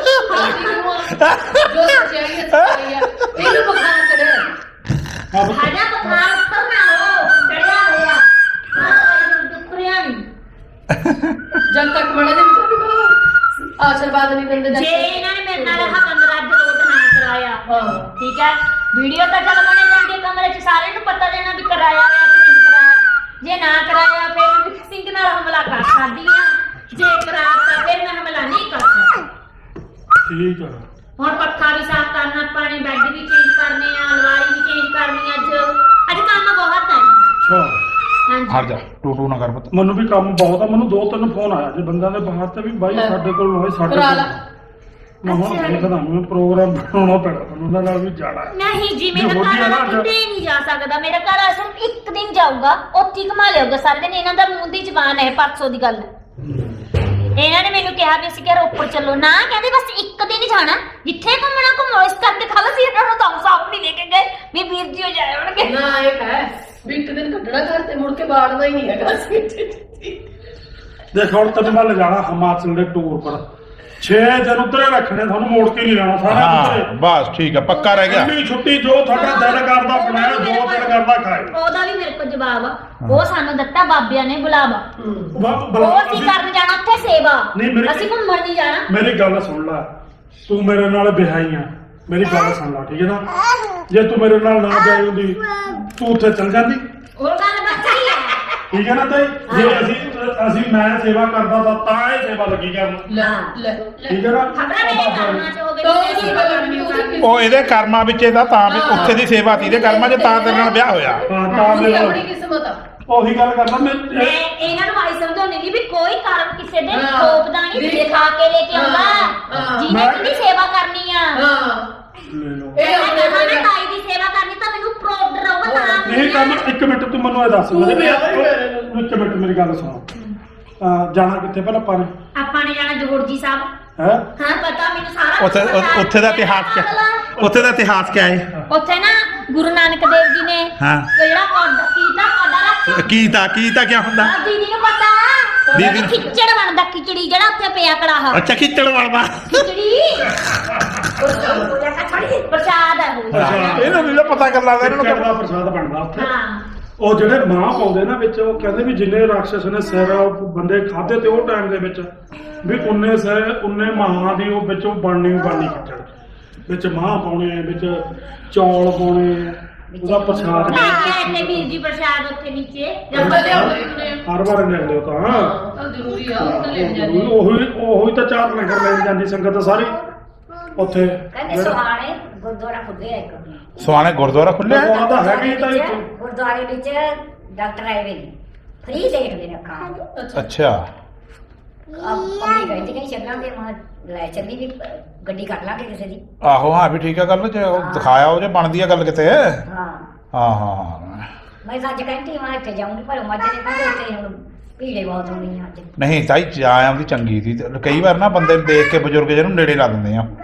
Speaker 4: ਜੋ ਸੱਚਾਈ ਹੈ ਸੱਚਾਈ ਆ ਇਹਨੂੰ ਬੁਖਾਰ ਚੜਿਆ
Speaker 6: ਆਜਾ ਬੁਖਾਰ ਉੱਤਰ ਨਾ ਹੋ ਚੜਿਆ ਹੋਇਆ ਦੁੱਖਰਿਆ ਨਹੀਂ
Speaker 4: ਜਦ ਤੱਕ ਮੜਾ ਦੇ ਆਸ਼ੀਰਵਾਦ ਨਹੀਂ ਦਿੰਦੇ
Speaker 6: ਜੇ ਇਹਨਾਂ ਨੇ ਮੇਰੇ ਨਾਲ ਹਵਨ ਰੱਜ ਰੋਡ ਨਾ ਕਰਾਇਆ
Speaker 4: ਹਾਂ
Speaker 6: ਠੀਕ ਹੈ ਵੀਡੀਓ ਤਾਂ ਚੱਲ ਬਣੇ ਜਾਂਦੀ ਹੈ ਕਮਰੇ 'ਚ ਸਾਰਿਆਂ ਨੂੰ ਪਤਾ ਦੇਣਾ ਵੀ ਕਰਾਇਆ ਹੋਇਆ ਕਿ ਨਹੀਂ ਕਰਾਇਆ ਜੇ ਨਾ ਕਰਾਇਆ ਫਿਰ ਮੈਂ ਸਿੰਘ ਨਾਲ ਹਮਲਾ ਕਰ ਸਕਦੀ ਆ ਜੇ ਕਰਾਤਾ ਫਿਰ ਮੈਂ ਹਮਲਾ ਨਹੀਂ ਕਰ ਸਕਦੀ
Speaker 2: ਠੀਕ ਆ
Speaker 6: ਹੁਣ ਪੱਖਾ ਵੀ ਸਾਫ਼ ਕਰਨਾ ਪਾਣੀ ਬੈੱਡ ਵੀ ਚੇਂਜ ਕਰਨੇ ਆ ਅਲਮਾਰੀ ਵੀ ਚੇਂਜ ਕਰਨੀ ਅੱਜ ਕੰਮ ਬਹੁਤ ਹੈ
Speaker 2: ਅੱਛਾ
Speaker 6: ਹਾਂਜੀ
Speaker 1: ਹਟ ਜਾ ਟੂ ਨਾ ਕਰ ਪੁੱਤ
Speaker 2: ਮੈਨੂੰ ਵੀ ਕੰਮ ਬਹੁਤ ਆ ਮੈਨੂੰ 2-3 ਫੋਨ ਆਇਆ ਜੇ ਬੰਦਿਆਂ ਦੇ ਬਾਹਰ ਤੇ ਵੀ ਬਾਈ ਸਾਡੇ ਕੋਲ ਹੋਏ ਸਾਡੇ
Speaker 4: ਕਰਾ ਲਾ।
Speaker 2: ਮੈਂ ਹੁਣ ਦੇਖਦਾ ਮੈਂ ਪ੍ਰੋਗਰਾਮ ਬਣਾਉਣਾ ਪੈਣਾ ਤੁਹਾਨੂੰ ਉਹਨਾਂ ਨਾਲ ਵੀ ਜਾਣਾ
Speaker 6: ਨਹੀਂ ਜੀ ਮੇਰਾ
Speaker 2: ਜੇ ਹੋਲੀ ਆ
Speaker 6: ਘਰ
Speaker 2: ਨਾ
Speaker 6: ਵਾਲਾ ਕਿਤੇ ਨਹੀਂ ਜਾ ਸਕਦਾ ਮੇਰਾ ਘਰ ਵਾਲਾ ਸਿਰਫ ਇੱਕ ਦਿਨ ਜਾਊਗਾ ਉੱਥੇ ਹੀ ਘੁਮਾ ਲਿਆਊਗਾ ਸਾਰੇ ਦਿਨ ਇਹਨਾਂ ਦਾ ਮੂੰਹ ਦੀ ਜ਼ਬਾਨ ਹੈ ਪਰਸੋਂ ਦੀ ਗੱਲ ਇਹਨਾਂ ਨੇ ਮੈਨੂੰ ਕਿਹਾ ਵੀ ਅਸੀਂ ਕਿ ਰੋਪੜ ਚੱਲੋ ਨਾ ਕਹਿੰਦੇ ਬਸ ਇੱਕ ਦਿਨ ਹੀ ਜਾਣਾ ਜਿੱਥੇ ਘੁੰਮਣਾ ਘੁੰਮੋ ਇਸ ਕਰਕੇ ਖਾਲਾ ਸੀ ਇਹਨਾਂ ਨੂੰ ਤਾਂ ਸਾਫ ਨਹੀਂ ਲੈ ਕੇ ਗਏ ਵੀ ਵੀਰ ਜੀ ਹੋ ਜਾਏ ਹੋਣਗੇ
Speaker 4: ਨਾ ਇਹ ਹੈ ਵੀ ਇੱਕ ਦਿਨ ਕੱਢਣਾ ਘਰ ਤੇ ਮੁੜ ਕੇ ਬਾੜਨਾ ਹੀ ਨਹੀਂ ਹੈਗਾ
Speaker 2: ਦੇਖ ਹੁਣ ਤੈਨੂੰ ਮੈਂ ਲਿਜਾਣਾ ਹਿਮਾਚਲ ਦੇ ਟੂਰ ਪਰ 6 ਦਿਨ ਉੱਧਰੇ ਰੱਖਣੇ ਤੁਹਾਨੂੰ ਮੋੜ ਕੇ ਨਹੀਂ ਲੈਣਾ ਸਾਰਾ
Speaker 1: ਹਾਂ ਬਸ ਠੀਕ ਆ ਪੱਕਾ ਰਹਿ ਗਿਆ
Speaker 2: ਇੰਨੀ ਛੁੱਟੀ ਜੋ ਤੁਹਾਡਾ ਦਿਲ ਕਰਦਾ ਬਣਾਇਆ 2 ਦਿਨ ਕਰਦਾ ਖਾਏ
Speaker 6: ਉਹਦਾ ਵੀ ਮੇਰੇ ਕੋਲ ਜਵਾਬ ਆ ਉਹ ਸਾਨੂੰ ਦਿੱਤਾ ਬਾਬਿਆਂ ਨੇ ਬੁਲਾਵਾ ਉਹ ਅਸੀਂ ਕਰਨ ਜਾਣਾ ਉੱਥੇ ਸੇਵਾ
Speaker 2: ਨਹੀਂ, ਮੇਰੀ-
Speaker 6: ਅਸੀਂ ਘੁੰਮਣ ਨਹੀਂ ਜਾਣਾ
Speaker 2: ਮੇਰੀ ਗੱਲ ਸੁਣ ਲੈ ਤੂੰ ਮੇਰੇ ਨਾਲ ਵਿਆਹੀ ਆ, ਮੇਰੀ ਗੱਲ ਸੁਣ ਲਾ, ਠੀਕ ਹੈ ਨਾ? ਜੇ ਤੂੰ ਮੇਰੇ ਨਾਲ ਨਾ ਵਿਆਹੀ ਹੁੰਦੀ ਤੂੰ ਉੱਥੇ ਚਲ ਜਾਂਦੀ,
Speaker 6: ਉਹ ਗੱਲ ਬੱਚੀ ਹੈ।
Speaker 2: ਠੀਕ ਹੈ ਨਾ ਤਾਈ? ਜੇ ਅਸੀਂ ਮੈਂ ਸੇਵਾ ਕਰਦਾ ਤਾਂ ਇਹ ਸੇਵਾ ਲੱਗੀ ਕਰਨ,
Speaker 4: ਲੈ
Speaker 2: ਠੀਕ ਹੈ ਨਾ?
Speaker 6: ਖਬਰਾਂ ਮੇਰੇ ਕਰਮਾਂ ਚ ਹੋਵੇ
Speaker 4: ਤਾਂ
Speaker 6: ਤੇ ਸੇਵਾ ਕਰਨੀ ਹੋਵੇ।
Speaker 1: ਉਹ ਇਹਦੇ ਕਰਮਾਂ ਵਿੱਚ ਇਹਦਾ ਤਾਂ ਵੀ ਉੱਥੇ ਦੀ ਸੇਵਾ ਸੀ ਇਹਦੇ ਕਰਮਾਂ 'ਚ, ਤਾਂ ਤੇਰੇ ਨਾਲ ਵਿਆਹ ਹੋਇਆ।
Speaker 2: ਹਾਂ ਤਾਂ
Speaker 4: ਪੂਰੀ
Speaker 2: ਮੇਰੇ
Speaker 4: ਆਪਣੀ ਕਿਸਮਤ ਆ।
Speaker 2: ਉਹੀ ਗੱਲ ਕਰਦਾ
Speaker 6: ਮੈਂ
Speaker 2: ਮੈਂ।
Speaker 6: ਇਹਨਾਂ ਨੂੰ ਆਈ ਸਮਝਾਉਣੀ ਨਹੀਂ ਵੀ ਕੋਈ ਕਰਮ ਕਿਸੇ ਦੇ
Speaker 4: ਹਾਂ।
Speaker 6: ਥੋਪਦਾ ਨਹੀਂ, ਦਿਖਾ ਕੇ ਲੈ ਕੇ ਆਉਂਦਾ।
Speaker 4: ਹਾਂ।
Speaker 6: ਜਿਹਨੇ ਕਿਹਦੀ ਸੇਵਾ ਕਰਨੀ ਆ,
Speaker 4: ਹਾਂ
Speaker 2: ਲੈ ਲਓ।
Speaker 4: ਇਹ ਆਪਣੇ
Speaker 6: ਮੈਂ ਤਾਈ ਦੀ ਸੇਵਾ ਕਰਨੀ ਤਾਂ ਮੈਨੂੰ ਪ੍ਰੂਫ ਰਹੂਗਾ ਤਾਂ
Speaker 2: ਇਹ ਕੰਮ ਇੱਕ ਮਿੰਟ ਤੂੰ ਮੈਨੂੰ ਇਹ ਦੱਸ ਇੱਕ ਮਿੰਟ ਮੇਰੀ ਗੱਲ ਸੁਣ। ਜਾਣਾ ਕਿੱਥੇ ਪਹਿਲਾਂ ਆਪਾਂ ਨੇ?
Speaker 6: ਆਪਾਂ ਨੇ ਜਾਣਾ ਜੋੜ ਜੀ ਸਾਹਿਬ।
Speaker 2: ਹੈ
Speaker 6: ਹਾਂ ਪਤਾ ਮੈਨੂੰ ਸਾਰਾ
Speaker 1: ਉੱਥੇ
Speaker 6: ਪਤਾ।
Speaker 1: ਉੱਥੇ ਦਾ ਇਤਿਹਾਸ ਕਿਆ, ਉੱਥੇ ਦਾ ਇਤਿਹਾਸ ਕਿਆ ਹੈ?
Speaker 6: ਉੱਥੇ ਨਾ ਗੁਰੂ ਨਾਨਕ ਦੇਵ ਜੀ ਨੇ
Speaker 1: ਹਾਂ।
Speaker 6: ਜਿਹੜਾ ਪੌਦਾ ਰੱਖ
Speaker 1: ਕੀਤਾ ਕਿਆ ਹੁੰਦਾ?
Speaker 6: ਦੀਦੀ ਨੂੰ ਪਤਾ
Speaker 1: ਦੀਦੀ ਨੂੰ-
Speaker 6: ਖਿਚੜ ਬਣਦਾ, ਖਿਚੜੀ ਜਿਹੜਾ ਉੱਥੇ ਪਿਆ ਕੜਾਹ
Speaker 1: ਅੱਛਾ ਖਿੱਚੜ ਵਾਲਾ।
Speaker 6: ਖਿਚੜੀ ਪ੍ਰਸ਼ਾਦ ਹੈ ਉਹ।
Speaker 1: ਇਹਨੂੰ ਨਹੀਂ ਪਤਾ ਕਰ ਲੱਗਦਾ ਇਹਨਾਂ
Speaker 2: ਕਿਹੜਾ
Speaker 1: ਨੂੰ।
Speaker 2: ਦਾ ਪ੍ਰਸਾਦ ਬਣਦਾ ਉੱਥੇ।
Speaker 6: ਹਾਂ
Speaker 2: ਉਹ ਜਿਹੜੇ ਮਾਂ ਪਾਉਂਦੇ ਨਾ ਵਿੱਚ, ਉਹ ਕਹਿੰਦੇ ਵੀ ਜਿੰਨੇ ਰਾਖਸ਼ ਨੇ ਸਿਰ ਬੰਦੇ ਖਾਦੇ ਤੇ ਉਹ ਟਾਈਮ ਦੇ ਵਿੱਚ ਵੀ ਉਨੇ ਸਿਰ ਉਨੇ ਮਾਂ ਦੀ ਉਹ ਵਿੱਚੋਂ ਬਣਨੀ ਖਿੱਚੜ, ਵਿੱਚ ਮਾਂ ਪਾਉਣੇ, ਵਿੱਚ ਚੌਲ ਪਾਉਣੇ, ਉਹਦਾ ਪ੍ਰਸਾਦ
Speaker 6: ਤੇ ਵੀਰ ਜੀ ਪ੍ਰਸ਼ਾਦ ਉੱਥੇ ਨੀਚੇ
Speaker 4: ਜੰਮਾ ਲਿਆਉਂਦੇ ਹੁੰਦੇ ਆ।
Speaker 2: ਹਰ ਵਾਰ ਲੈ ਲਿਓ ਤਾਂ।
Speaker 4: ਤਾਂ ਜ਼ਰੂਰੀ ਆ, ਉਹ ਤਾਂ ਲੈ ਜਾਂਦੇ ਆ।
Speaker 2: ਉਹੀ ਤਾਂ ਚਾਰ ਲੰਗਰ ਲੈਣ ਜਾਂਦੀ ਸੰਗਤ ਸਾਰੀ ਉੱਥੇ।
Speaker 3: ਕਹਿੰਦੇ ਸੁਹਾਣੇ ਗੁਰਦੁਆਰਾ ਖੁੱਲਿਆ ਇੱਕ
Speaker 1: ਸਵਾਣੇ ਗੁਰਦੁਆਰਾ ਖੁੱਲਿਆ ਹੈ?
Speaker 2: ਉਹ ਤਾਂ ਹੈਗਾ ਹੀ ਤਾਂ ਇੱਥੇ।
Speaker 3: ਗੁਰਦੁਆਰੇ ਵਿੱਚ ਡਾਕਟਰ ਆਏ ਵੇ ਨੇ, ਫ੍ਰੀ ਦੇਖਦੇ ਨੇ ਅੱਖਾਂ।
Speaker 1: ਅੱਛਾ
Speaker 3: ਮੰਮੀ ਕਹਿੰਦੀ ਕਿ ਚੱਲਾਂਗੇ, ਮੈਂ ਲੈ ਚੱਲੀ ਵੀ ਗੱਡੀ ਕਰ ਲਾਂਗੇ ਕਿਸੇ ਦੀ।
Speaker 1: ਆਹੋ ਹਾਂ ਵੀ ਠੀਕ ਹੈ ਗੱਲ, ਜੇ ਉਹ ਦਿਖਾਇਆ ਉਹ ਜੇ ਬਣਦੀ ਆ ਗੱਲ ਕਿਤੇ।
Speaker 3: ਹਾਂ
Speaker 1: ਹਾਂ
Speaker 3: ਮੈਂ ਤਾਂ ਅੱਜ ਕਹਿੰਦੀ ਮੈਂ ਇੱਥੇ ਜਾਊਂਗੀ, ਪਰ ਮੱਝ ਨੇ ਕਹਿੰਦੇ ਉੱਥੇ ਹੁਣ ਭੀੜੇ ਬਹੁਤ ਹੋਣੀ ਆ ਅੱਜ।
Speaker 1: ਨਹੀਂ ਤਾਈ ਜਾ ਆਉਂਦੀ ਚੰਗੀ ਸੀ। ਕਈ ਵਾਰ ਨਾ ਬੰਦੇ ਨੂੰ ਦੇਖ ਕੇ ਬਜ਼ੁਰਗ ਜਿਹਨੂੰ ਨੇੜੇ ਲਾ ਦਿੰਦੇ ਆ।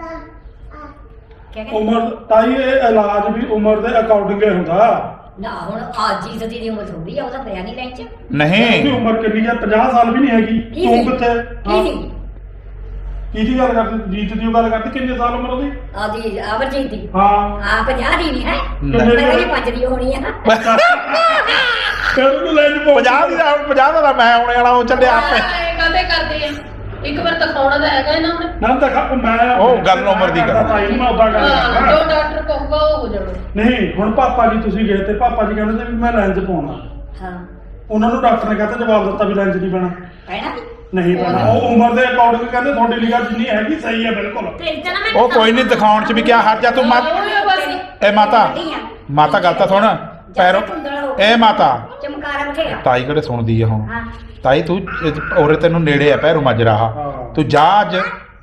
Speaker 3: ਕਹਿੰਦੇ
Speaker 2: ਉਮਰ ਤਾਈ ਇਹ ਇਲਾਜ ਵੀ ਉਮਰ ਦੇ ਅਕੋਰਡਿੰਗ ਹੀ ਹੁੰਦਾ।
Speaker 3: ਨਾ ਹੁਣ ਅੱਜ ਹੀ ਦੀ ਉਮਰ ਥੋੜੀ ਆ, ਉਹਦਾ ਪਿਆ ਨਹੀਂ ਲੈਂਚ
Speaker 2: ਉਹਦੀ
Speaker 1: ਨਹੀਂ
Speaker 2: ਉਮਰ ਕਿੰਨੀ ਆ? 50 ਸਾਲ ਵੀ ਨਹੀਂ ਹੈਗੀ।
Speaker 3: ਕੀ
Speaker 2: ਤੂੰ
Speaker 3: ਸੀ?
Speaker 2: ਕਿੱਥੇ?
Speaker 3: ਕੀ ਸੀ
Speaker 2: ਕਿਹਦੀ ਗੱਲ ਕਰਦੀ? ਜੀਤ ਦੀ ਗੱਲ ਕਰਦੀ। ਕਿੰਨੇ ਸਾਲ ਉਮਰ ਉਹਦੀ?
Speaker 3: ਆਦੀ ਅਮਰਜੀਤ ਦੀ?
Speaker 2: ਹਾਂ
Speaker 3: ਆ 50 ਦੀ ਨਹੀਂ ਹੈ,
Speaker 2: ਕਿੰਨੇ ਦੀ?
Speaker 3: ਮੇਰੀ 5 ਦੀ ਹੋਣੀ ਆ।
Speaker 2: ਫਿਰ ਉਹਨੂੰ ਲੈ ਜੀ
Speaker 1: 50 ਦਾ ਮੈਂ ਆਉਣੇ ਵਾਲਾ ਉਹ ਚੱਲਿਆ ਆਪੇ।
Speaker 4: ਇਹ ਕਾਹਦੇ ਕਰਦੇ ਆ? ਇੱਕ ਵਾਰ ਦਿਖਾਉਣਾ ਤਾਂ ਹੈਗਾ ਇਹਨਾਂ ਨੇ।
Speaker 2: ਨਾ ਤਾਂ ਮੈਂ
Speaker 1: ਉਹ ਗੱਲ ਉਮਰ ਦੀ ਗੱਲ।
Speaker 2: ਤਾਈ ਮੈਂ ਉਦਾਂ ਗੱਲ
Speaker 4: ਹਾਂ,
Speaker 2: ਕਰਦਾ।
Speaker 4: ਜੋ ਡਾਕਟਰ ਕਹੂਗਾ ਉਹ ਹੋ ਜਾਣਾ।
Speaker 2: ਨਹੀਂ ਹੁਣ ਪਾਪਾ ਜੀ ਤੁਸੀਂ ਗਏ ਤੇ ਪਾਪਾ ਜੀ ਕਹਿੰਦੇ ਸੀ ਵੀ ਮੈਂ ਲੈਂਜ ਪਾਉਣਾ।
Speaker 3: ਹਾਂ
Speaker 2: ਉਹਨਾਂ ਨੂੰ ਡਾਕਟਰ ਨੇ ਕਹਤਾ ਜਵਾਬ ਦਿੱਤਾ ਵੀ ਲੈਂਜ ਨਹੀਂ ਪੈਣਾ।
Speaker 3: ਕਹਿਣਾ
Speaker 2: ਨਹੀਂ ਪੈਣਾ। ਉਹ ਉਮਰ ਦੇ ਅਕੋਰਡਿੰਗ ਕਹਿੰਦੇ ਤੁਹਾਡੀ ਲਿਖਾ ਜਿੰਨੀ ਹੈਗੀ ਸਹੀ ਹੈ ਬਿਲਕੁਲ।
Speaker 6: ਤੇ ਜਨਾ ਮੈਂ
Speaker 1: ਉਹ ਕੋਈ ਨਹੀਂ ਦਿਖਾਉਣ ਚ ਵੀ ਕਿਆ ਹਰਜ ਆ। ਤੂੰ
Speaker 4: ਉਹ ਹੀ ਬਸ।
Speaker 1: ਇਹ ਮਾਤਾ ਗੱਲ ਤਾਂ ਸੁਣ ਪੈਰੋਂ। ਇਹ ਮਾਤਾ
Speaker 3: ਚਮਕਾਰਾ ਬਥੇਰਾ।
Speaker 1: ਤਾਈ ਕਿਹੜੇ ਸੁਣਦੀ ਆ ਹੁਣ?
Speaker 3: ਹਾਂ
Speaker 1: ਤਾਈ ਤੂੰ ਔਰੇ ਤੈਨੂੰ ਨੇੜੇ ਆ ਪੈਰੋਂ ਮਜਰਾ।
Speaker 2: ਹਾਂ।
Speaker 1: ਤੂੰ ਜਾ ਅੱਜ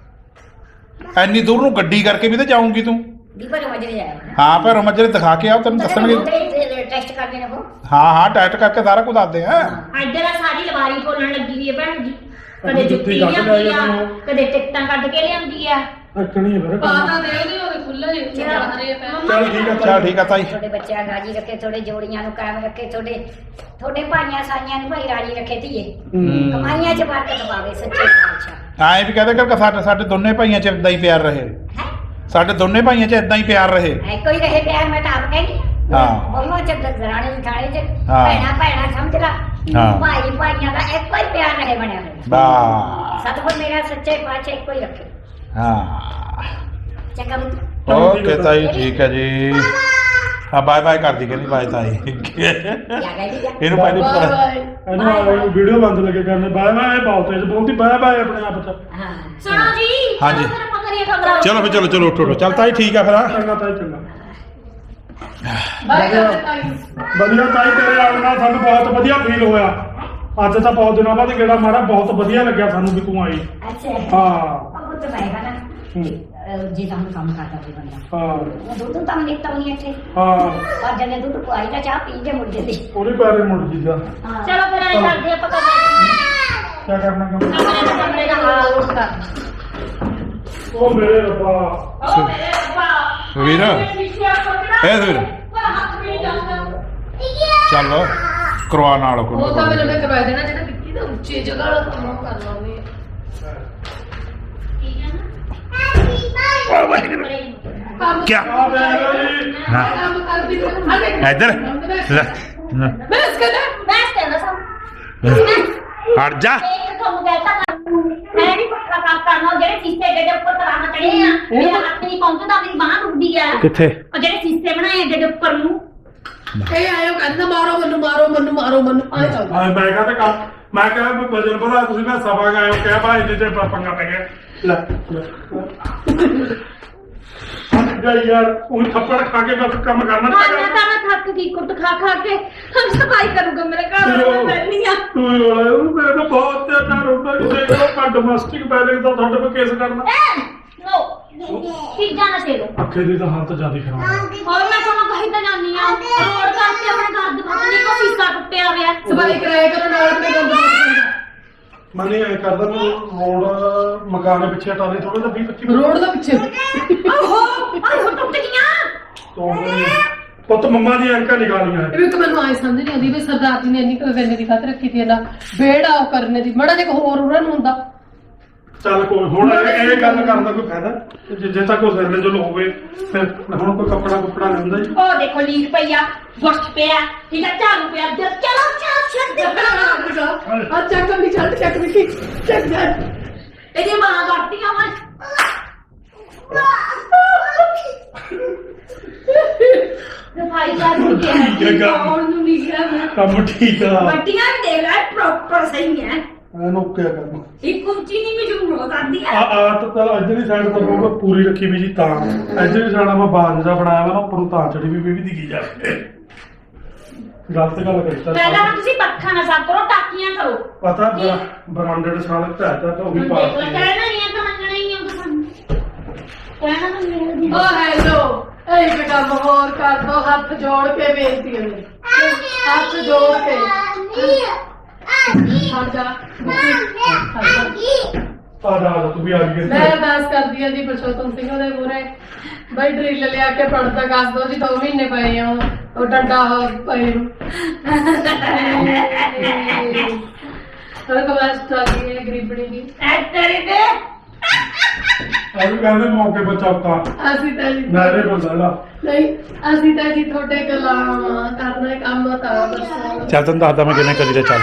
Speaker 1: ਐਨੀ ਦੂਰ ਨੂੰ ਗੱਡੀ ਕਰਕੇ ਵੀ ਤੇ ਜਾਊਂਗੀ ਤੂੰ।
Speaker 3: ਦੀ ਪਰ ਮਜਰੇ ਜਾਇਆ
Speaker 1: ਹਾਂ ਪੈਰੋਂ ਮਜਰੇ ਦਿਖਾ ਕੇ ਆਓ, ਤੈਨੂੰ ਦੱਸਣਗੇ।
Speaker 3: ਟੈਸਟ ਕਰਦੇ ਨੇ ਉਹ।
Speaker 1: ਹਾਂ ਟੈਸਟ ਕਰਕੇ ਸਾਰਾ ਕੁਝ ਦੱਸਦੇ ਆ।
Speaker 6: ਇੱਧਰ ਆ ਸਾਰੀ ਲਵਾਰੀ ਖੋਲਣ ਲੱਗੀ ਹੋਈ ਹੈ ਭੈਣ ਜੀ। ਕਦੇ
Speaker 2: ਜੁੱਤੀ
Speaker 6: ਜੁੱਤੀ
Speaker 2: ਕੱਢ
Speaker 6: ਲਿਆਉਂਦੀ
Speaker 2: ਲਿਆਈ
Speaker 6: ਆ, ਕਦੇ ਟਿਕਟਾਂ ਕੱਢ ਕੇ ਲਿਆਉਂਦੀ ਆ।
Speaker 2: ਅੱਕਣੀ ਹੈ ਫਿਰ ਕੰਮ।
Speaker 4: ਪਾਤਾ ਦੇ ਉਹਦੇ ਉਹਦੇ ਖੁੱਲੇ ਜਿਹੇ ਚੱਲ ਰਹੇ ਆ ਪੈਰ।
Speaker 2: ਚੱਲ ਠੀਕ ਹੈ
Speaker 1: ਚੱਲ ਠੀਕ ਆ ਤਾਈ।
Speaker 3: ਤੁਹਾਡੇ ਬੱਚਿਆਂ ਨੂੰ ਰਾਜੀ ਰੱਖੇ, ਤੁਹਾਡੇ ਜੋੜੀਆਂ ਨੂੰ ਕਾਇਮ ਰੱਖੇ, ਤੁਹਾਡੇ ਭਾਈਆਂ ਸਾਈਆਂ ਨੂੰ ਭਾਈ ਰਾਜੀ ਰੱਖੇ ਧੀਏ।
Speaker 2: ਹੂੰ।
Speaker 3: ਕਮਾਈਆਂ 'ਚ ਬਰਕਤ ਪਾਵੇ ਸੱਚੇ ਪਾਤਸ਼ਾਹ।
Speaker 1: ਐਂ ਵੀ ਕਹਦੇ ਕਿ ਸਾਡੇ ਦੋਨੇ ਭਾਈਆਂ 'ਚ ਇਦਾਂ ਹੀ ਪਿਆਰ ਰਹੇ।
Speaker 3: ਹੈ
Speaker 1: ਸਾਡੇ ਦੋਨੇ ਭਾਈਆਂ 'ਚ ਇਦਾਂ ਹੀ ਪਿਆਰ ਰਹੇ।
Speaker 3: ਇੱਕੋ ਹੀ ਰਹੇ ਪਿਆਰ, ਮੈਂ ਤਾਂ ਆਪ ਕਹਿੰਦੀ
Speaker 1: ਹਾਂ।
Speaker 3: ਬਹੁਆਂ 'ਚ ਦਰਾਣੇ ਜਠਾਣੇ 'ਚ
Speaker 1: ਹਾਂ।
Speaker 3: ਭੈਣਾਂ ਸਮਝ ਲਾ।
Speaker 1: ਹਾਂ।
Speaker 3: ਭਾਈ ਭਾਈਆਂ ਦਾ ਇੱਕੋ ਹੀ ਪਿਆਰ ਰਹੇ ਬਣਿਆ ਹੋਇਆ।
Speaker 1: ਬਾ
Speaker 3: ਸਤਿਗੁਰ ਮੇਰਾ ਸੱਚੇ ਪਾਤਸ਼ਾਹ ਇੱਕੋ ਹੀ ਰੱਖੇ।
Speaker 1: ਹਾਂ
Speaker 3: ਚੰਗਾ
Speaker 1: ਓਕੇ ਤਾਈ ਠੀਕ ਹੈ ਜੀ। ਹਾਂ ਬਾਏ ਬਾਏ ਕਰਦੀ ਕਹਿੰਦੀ ਬਾਏ ਤਾਈ।
Speaker 3: ਜਾ ਗਈ ਜਾ।
Speaker 1: ਇਹਨੂੰ ਪਹਿਲੇ
Speaker 4: ਬਾਏ
Speaker 1: ਪਤਾ।
Speaker 4: ਬਾਏ।
Speaker 2: ਇਹਨੂੰ ਵੀਡੀਓ ਬੰਦ ਲੱਗੇ ਕਰਨੇ। ਬਾਏ ਬਾਏ ਬਹੁਤ ਤੇਜ਼ ਬੋਲਦੀ। ਬਾਏ ਬਾਏ ਆਪਣੇ ਆਪ ਚ।
Speaker 3: ਹਾਂ
Speaker 6: ਸੁਣੋ ਜੀ।
Speaker 1: ਹਾਂਜੀ।
Speaker 6: ਚਲੋ ਫਿਰ ਆਪਾਂ ਕਰੀਏ ਖਬਰਾਂ।
Speaker 1: ਚਲੋ ਫਿਰ ਚਲੋ ਉੱਠੋ ਚੱਲ ਤਾਈ ਠੀਕ ਆ ਫਿਰ ਹਾਂ।
Speaker 2: ਚੰਗਾ ਤਾਈ ਚੰਗਾ।
Speaker 4: ਬਾਏ ਕਰਦੇ ਤਾਈ।
Speaker 2: ਵਧੀਆ ਤਾਈ ਤੇਰੇ ਆਉਣ ਨਾਲ ਸਾਨੂੰ ਬਹੁਤ ਵਧੀਆ ਫੀਲ ਹੋਇਆ। ਅੱਜ ਤਾਂ ਬਹੁਤ ਦਿਨਾਂ ਬਾਅਦ ਗੇੜਾ ਮਾਰਾ, ਬਹੁਤ ਵਧੀਆ ਲੱਗਿਆ ਸਾਨੂੰ ਵੀ ਤੂੰ ਆਈ।
Speaker 3: ਅੱਛਾ
Speaker 2: ਹਾਂ
Speaker 3: ਉਹ ਤਾਂ ਮੈਂ ਨਾ ਜੀ ਤਾਂ ਕੰਮ ਕਰਦਾ ਸੀ ਬੰਦਾ।
Speaker 2: ਹਾਂ
Speaker 3: ਉਹ ਦੁੱਧ ਤਾਂ ਨਿਕਤਾ ਨਹੀਂ ਇੱਥੇ।
Speaker 2: ਹਾਂ
Speaker 3: ਪਰ ਜਨੇ ਦੁੱਧ ਪੁਆਈ ਤਾਂ ਚਾਹ ਪੀ ਕੇ ਮੁੜ ਜਾਂਦੀ।
Speaker 2: ਉਹਦੇ ਪੈਰੇ ਮੁੜ ਜੀਦਾ।
Speaker 3: ਹਾਂ
Speaker 6: ਚਲੋ ਫਿਰ ਐਂ ਕਰਦੇ ਆਪਾਂ ਕਮਰੇ
Speaker 2: ਕੀ ਕਰਨਾ ਕੰਮ?
Speaker 6: ਕਮਰੇ ਦਾ ਹਾਲ ਉਸ ਕਰ।
Speaker 2: ਉਹ ਮੇਰੇ ਰੱਬਾ।
Speaker 6: ਓ ਮੇਰੇ ਰੱਬਾ।
Speaker 1: ਵੀਰ। ਇਹ ਵੀਰ।
Speaker 6: ਹੱਥ ਵੀ ਨਹੀਂ ਜਾਂਦਾ।
Speaker 1: ਚੱਲ ਕਰਵਾ ਨਾਲ ਕੋਈ
Speaker 4: ਉਹ ਤਾਂ ਮੈਨੂੰ ਮੈਂ ਕਰਵਾ ਦੇਣਾ, ਜਿਹੜਾ ਵਿੱਕੀ ਦਾ ਉੱਚੀ ਜਗ੍ਹਾ ਵਾਲਾ ਕੰਮ ਕਰਨਾ ਉਹਨੇ।
Speaker 6: ਠੀਕ ਹੈ ਨਾ?
Speaker 4: ਕੰਮ
Speaker 1: ਕਿਆ?
Speaker 2: ਆ ਬੈ ਜੀ।
Speaker 1: ਹਾਂ।
Speaker 4: ਕੰਮ ਕਰਦੀ ਫਿਰ
Speaker 1: ਇੱਧਰ ਲੈ
Speaker 4: ਮੈਂ ਇਸ ਕਹਿੰਦਾ
Speaker 6: ਬੈਠ ਕੇ ਨਾ ਸਭ
Speaker 1: ਹਟ ਜਾ।
Speaker 6: ਇੱਕ ਕੰਮ ਕਹਿਤਾ ਹੈ ਨਹੀਂ ਪੱਕਾ ਸਾਫ਼ ਕਰਨਾ ਉਹ ਜਿਹੜੇ ਸੀਸੇ ਦੇ ਉੱਪਰ ਤਰਾਹ ਚੜੇ ਆ ਮੇਰਾ ਹੱਥ ਨਹੀਂ ਪਹੁੰਚਦਾ ਮੇਰੀ ਬਾਂਹ ਟੁੱਟਦੀ ਆ
Speaker 1: ਕਿੱਥੇ
Speaker 6: ਉਹ ਜਿਹੜੇ ਸੀਸੇ ਬਣਾਏ ਦੇ ਉੱਪਰ ਨੂੰ
Speaker 4: ਇਹ ਆਇਓ ਕਹਿੰਦਾ ਮਾਰੋ ਮੈਨੂੰ ਮਾਰੋ ਮੈਨੂੰ ਮਾਰੋ ਮੈਨੂੰ ਆਏ ਚੱਲ
Speaker 2: ਮੈਂ ਕਿਹਾ ਤੇ ਕੰਮ ਮੈਂ ਕਿਹਾ ਵੀ ਵਜਨ ਵਧਾ ਤੁਸੀਂ ਮੈਂ ਸਭਾ ਗਾਇਓ ਕਿਹਾ ਭਾਈ ਇੰਨੇ ਚ ਪੰਗਾ ਪੈ ਗਿਆ ਲੈ ਗਈ ਯਾਰ ਉਹ ਥੱਪੜ ਖਾ ਕੇ ਬਸ ਕੰਮ ਕਰਨਾ
Speaker 6: ਹਾਂ ਮੈਂ ਥੱਕ ਗਈ ਕੁੱਟ ਖਾ ਖਾ ਕੇ ਹਮ ਸਫਾਈ ਕਰੂਗਾ ਮੇਰੇ ਘਰ ਵਾਲਾ ਮੈਂ ਬੈਠੀ ਆ
Speaker 2: ਤੂੰ ਰੋਲਾ ਉਹ ਮੇਰੇ ਤੋਂ ਬਹੁਤ ਜ਼ਿਆਦਾ ਰੋਂਦਾ ਕਿਸੇ ਕੋਲ ਪਰ ਡੋਮੈਸਟਿਕ ਵਾਇਲੈਂਸ ਦਾ ਤੁਹਾਡੇ ਕੋਲ ਕੇਸ ਕਰਨਾ
Speaker 6: ਨੋ ਚੀਜ਼ਾਂ ਨਾ ਛੇੜੋ
Speaker 2: ਅੱਖੇ ਦੀ ਤਾਂ ਹਾਲਤ ਜ਼ਿਆਦਾ ਖਰਾਬ ਹੈ
Speaker 6: ਹੋਰ ਮੈਂ ਤੁਹਾਨੂੰ ਕਹੀ ਤਾਂ ਜਾਨੀ ਆ ਰੋਡ ਕਰਕੇ ਆਪਣੇ ਘਰ ਦੇ ਬਾਹਰ ਕੋ ਸੀਸਾ ਟੁੱਟਿਆ ਹੋਇਆ
Speaker 4: ਸਫਾਈ ਕਰਾਇਆ ਕਰੋ ਨਾਲ ਆਪਣੇ ਗੰਦ ਪਾਉਂਦਾ
Speaker 2: ਮੈਂ ਨਹੀਂ ਐ ਕਰਦਾ ਮੈਂ ਰੋਡ ਮਕਾਨ ਦੇ ਪਿੱਛੇ ਹਟਾ ਦੇ ਥੋੜਾ ਜਿਹਾ 20-25
Speaker 4: ਰੋਡ ਦਾ ਪਿੱਛੇ
Speaker 6: ਆਹੋ ਟੁੱਟ ਗਈਆਂ
Speaker 2: ਤੋਂ ਪੁੱਤ ਮੰਮਾ ਦੀ ਐਨਕਾਂ ਨਿਕਾਲੀਆਂ
Speaker 4: ਇਹ ਵੀ ਇੱਕ ਮੈਨੂੰ ਆਏ ਸਮਝ ਨਹੀਂ ਆਉਂਦੀ ਵੀ ਸਰਦਾਰ ਜੀ ਨੇ ਇੰਨੀ ਕੋਈ ਵੇਲੇ ਦੀ ਖਾਤ ਰੱਖੀ ਤੀ ਇਹਦਾ ਬੇੜਾ ਉਹ ਕਰਨੇ ਦੀ ਮੜਾ ਜਿਹਾ ਹੋਰ ਉਹਨਾਂ ਨੂੰ ਹੁੰਦਾ
Speaker 2: ਚੱਲ ਕੋਈ ਹੁਣ ਇਹ ਗੱਲ ਕਰਨ ਦਾ ਕੋਈ ਫਾਇਦਾ ਜੇ ਤੱਕ ਉਹ ਸਿਰ ਦੇ ਜੋ ਹੋਵੇ ਫਿਰ ਹੁਣ ਕੋਈ ਕੱਪੜਾ ਨਹੀਂ ਹੁੰਦਾ ਜੀ
Speaker 6: ਉਹ ਦੇਖੋ ਲੀਕ ਪਈਆ ਬੁਰਸ਼ ਪਿਆ ਠੀਕ ਆ ਝਾੜੂ ਪਿਆ ਚਲੋ ਛੱਡ
Speaker 4: ਆ ਚੱਕ ਵੀ ਚੱਲ ਚੱਕ ਵੀ ਚੱਕ ਜਾ
Speaker 6: ਇਹਦੀ ਮਾਂ ਕਰਤੀਆਂ ਮੈਂ ਸਫਾਈ ਕਰ
Speaker 2: ਠੀਕ ਆ
Speaker 4: ਕੌਣ ਨੂੰ ਨਹੀਂ ਗਿਆ ਮੈਂ
Speaker 2: ਕੰਮ ਠੀਕ ਆ
Speaker 6: ਬੱਟੀਆਂ ਵੀ ਦੇਖ ਲੈ ਪ੍ਰੋਪਰ ਸਹੀ ਹੈ
Speaker 2: ਇਹਨੂੰ ਕਿਆ ਕਰਨਾ
Speaker 6: ਇੱਕ ਉੱਚੀ ਨਹੀਂ ਮਜੂਰ ਹੋ ਜਾਂਦੀ
Speaker 2: ਆ
Speaker 6: ਹੈ
Speaker 2: ਤਾਂ ਇੱਧਰਲੀ ਸਾਈਡ ਤੋਂ ਮੈਂ ਪੂਰੀ ਰੱਖੀ ਵੀ ਜੀ ਤਾਂ ਇੱਧਰਲੀ ਸਾਈਡ ਮੈਂ ਬਾਜ ਦਾ ਬਣਾਇਆ ਵਾ ਨਾ ਉੱਪਰੋਂ ਤਾਂ ਚੜੀ ਵੀ ਦਿਖੀ ਜਾਵੇ ਗਲਤ ਗੱਲ ਕਰਤਾ
Speaker 6: ਪਹਿਲਾਂ ਤਾਂ ਤੁਸੀਂ ਪੱਖਾ ਨਾ ਸਾਫ਼ ਕਰੋ ਟਾਕੀਆਂ ਕਰੋ
Speaker 2: ਪਤਾ ਬਰਾਂਡਡ ਸਾਲ ਤਾਂ ਉਹ ਵੀ
Speaker 6: ਦੇਖ
Speaker 2: ਪਾ
Speaker 6: ਲੈ ਕਹਿਣਾ ਨਹੀਂ ਹੈ ਤਾਂ ਮੰਨਣਾ ਹੀ ਹੈ ਤੁਹਾਨੂੰ ਕਹਿਣਾ ਤਾਂ ਮੇਰੇ ਦੀ
Speaker 4: ਓ ਹੈਲੋ ਇਹ ਕੰਮ ਹੋਰ ਕਰ ਦੋ ਹੱਥ ਜੋੜ ਕੇ ਬੇਨਤੀ ਹੈ ਮੇਰੀ। ਹੱਥ ਜੋੜ ਕੇ ਹਟ ਜਾ
Speaker 2: ਆ ਜਾ ਤੂੰ ਵੀ ਆ ਗਈ
Speaker 4: ਮੈਂ ਅਰਦਾਸ ਕਰਦੀ ਹਾਂ ਜੀ ਪਰਸ਼ੋਤਮ ਸਿੰਘ ਦੇ ਮੂਹਰੇ ਬਈ ਡਰਿਲ ਲਿਆ ਕੇ ਪੜਦਾ ਕੱਸ ਦੋ ਜੀ 2 ਮਹੀਨੇ ਪਏ ਆ ਉਹ ਡੰਡਾ ਪਏ ਨੂੰ ਹਰ ਕਵਾਸ ਚਾਹੀ ਹੈ ਗਰੀਬਣੀ ਦੀ
Speaker 6: ਐਕਟਰੀ ਦੇ
Speaker 2: ਆ ਵੀ ਕਹਿੰਦੇ ਮੌਕੇ ਬਚਾਤਾ
Speaker 4: ਅਸੀਂ ਤਾਂ ਜੀ
Speaker 2: ਨਾਰੇ ਬੰਦਾ
Speaker 4: ਨਹੀਂ ਅਸੀਂ ਤਾਂ ਜੀ ਤੁਹਾਡੇ ਗੁਲਾਮ ਕਰਨਾ ਕੰਮ ਤਾਂ ਦੱਸੋ
Speaker 1: ਚੱਲ ਤੈਨੂੰ ਦੱਸਦਾ ਮੈਂ ਕਿਵੇਂ ਕਰੀਦਾ ਚੱਲ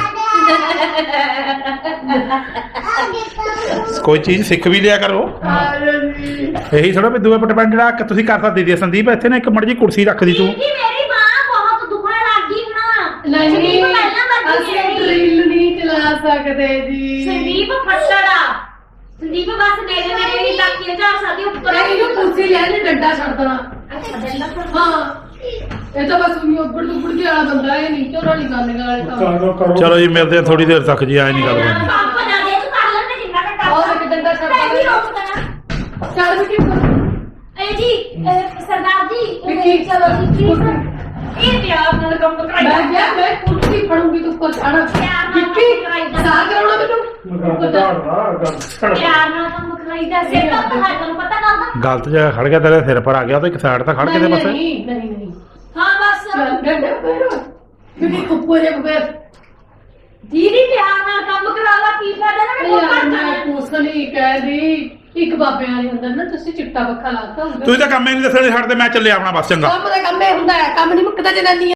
Speaker 1: ਕੋਈ ਚੀਜ਼ ਸਿੱਖ ਵੀ ਲਿਆ ਕਰੋ
Speaker 4: ਆ ਜੀ
Speaker 1: ਇਹੀ ਥੋੜਾ ਵੀ ਦੂਏ ਪਟਪੰਡ ਜਿਹੜਾ ਤੁਸੀਂ ਕਰ ਸਕਦੀ ਦੀ ਸੰਦੀਪ ਇੱਥੇ ਨਾ ਇੱਕ ਮੜ ਜੀ ਕੁਰਸੀ ਰੱਖ ਦੀ ਤੂੰ
Speaker 6: ਜੀ ਮੇਰੀ ਮਾਂ ਬਹੁਤ ਦੁਖਣ ਲੱਗ ਗਈ ਨਾ
Speaker 4: ਨਹੀਂ
Speaker 6: ਸੰਦੀਪ ਪਹਿਲਾਂ ਵਰਗੀ
Speaker 4: ਅਸੀਂ
Speaker 6: ਨਹੀਂ ਰਹੀ।
Speaker 4: ਡਰਿਲ ਨਹੀਂ ਚਲਾ ਸਕਦੇ ਜੀ
Speaker 6: ਸੰਦੀਪ ਫੱਟੜਾ ਸੰਦੀਪ ਬਸ ਮੇਰੇ ਹੀ ਟਾਕੀਆਂ ਝਾੜ ਸਕਦੀ ਉੱਪਰ
Speaker 4: ਇਹਨੂੰ ਕੁਰਸੀ ਲੈ ਲੈ ਡੰਡਾ ਛੱਡ ਦੇਣਾ
Speaker 6: ਅੱਛਾ ਡੰਡਾ ਫਿਰ
Speaker 4: ਹਾਂ ਇਹ ਤਾਂ ਬਸ ਉਹਨੂੰ ਉੱਪਰ ਤੋਂ ਉੱਪਰ ਕੇ ਵਾਲਾ ਬੰਦਾ ਹੈ ਨਹੀਂ ਝੋਲਾ ਨਹੀਂ ਕਰਨੇ ਵਾਲੇ ਕੰਮ
Speaker 2: ਕਰੋ
Speaker 1: ਚਲੋ ਜੀ ਮਿਲਦੇ ਆ ਥੋੜੀ ਦੇਰ ਤੱਕ ਜੀ ਆਏ ਨਹੀਂ ਗੱਲ ਬਣਨੀ
Speaker 6: ਪੰਪ ਨਾ ਦੇ ਤੂੰ ਕਰ ਲੈਂਦੇ ਜਿੰਨਾ ਘੰਟਾ
Speaker 4: ਉਹ ਇੱਕ ਡੰਡਾ ਛੱਡ
Speaker 6: ਮੈਂ ਵੀ
Speaker 4: ਦੇਣਾ।
Speaker 6: ਰੋਕ ਦੇਣਾ
Speaker 4: ਚੱਲ ਵੀ ਕੀ
Speaker 6: ਇਹ ਜੀ ਸਰਦਾਰ ਜੀ
Speaker 4: ਵਿੱਕੀ,
Speaker 6: ਚਲੋ ਜੀ please, ਇਹ ਪਿਆਰ ਨਾਲ ਕੰਮ
Speaker 4: ਮੈਂ
Speaker 6: ਕਰਾਈ
Speaker 4: ਗਿਆ ਮੈਂ ਕੁਰਸੀ ਫੜੂੰਗੀ ਤੂੰ ਉੱਪਰ ਚੜ੍ਹ
Speaker 6: ਪਿਆਰ ਨਾਲ
Speaker 4: ਵਿੱਕੀ
Speaker 6: ਕਰਾਈਦਾ।
Speaker 4: ਸਾਹ ਕਰਾਉਣਾ ਮੈਨੂੰ
Speaker 2: ਮਕਾਨ ਝਾੜਦਾ ਗੱਲ
Speaker 6: ਪਿਆਰ ਨਾਲ ਕੰਮ ਕਰਾਈਦਾ ਸਿਰ ਤਾਂ ਤੁਹਾਨੂੰ ਪਤਾ ਗੱਲ ਦਾ
Speaker 1: ਗਲਤ ਜਗ੍ਹਾ ਖੜ ਗਿਆ ਤੇਰੇ ਸਿਰ ਪਰ ਆ ਗਿਆ ਤਾਂ ਇੱਕ ਸਾਈਡ ਤਾਂ ਖੜ ਕੇ ਤੇ ਬਸ
Speaker 4: ਨਹੀਂ ਨਹੀਂ ਨਹੀਂ
Speaker 6: ਹਾਂ ਬਸ
Speaker 4: ਡੰਡਾ ਪੈਰੋ ਕਿਉਂਕਿ ਉੱਪਰ ਇੱਕ ਪੈਰ
Speaker 6: ਦੀਦੀ ਪਿਆਰ ਨਾਲ ਕੰਮ ਕਰਾਵਾ ਕੀ ਫਾਇਦਾ ਨਾ ਮੈਂ
Speaker 4: ਯਾਰ
Speaker 6: ਕੋਲ
Speaker 4: ਮੈਂ ਕੁਛ ਨਹੀਂ ਕਹਿਦੀ ਇੱਕ ਬਾਬੇ ਵਾਲੀ ਹੁੰਦਾ ਨਾ ਤੁਸੀਂ ਚਿੱਟਾ ਪੱਖਾ ਲਾਤਾ ਹੁੰਦਾ
Speaker 1: ਤੁਸੀਂ ਤਾਂ ਕੰਮ ਹੀ ਨਹੀਂ ਦੱਸਣੇ ਛੱਡ ਤੇ ਮੈਂ ਚੱਲਿਆ ਆਪਣਾ ਬਸ ਚੰਗਾ
Speaker 4: ਕੰਮ ਦਾ ਕੰਮ ਇਹ ਹੁੰਦਾ ਹੈ ਕੰਮ ਨਹੀਂ ਮੁੱਕਦਾ ਜਨਾਨੀ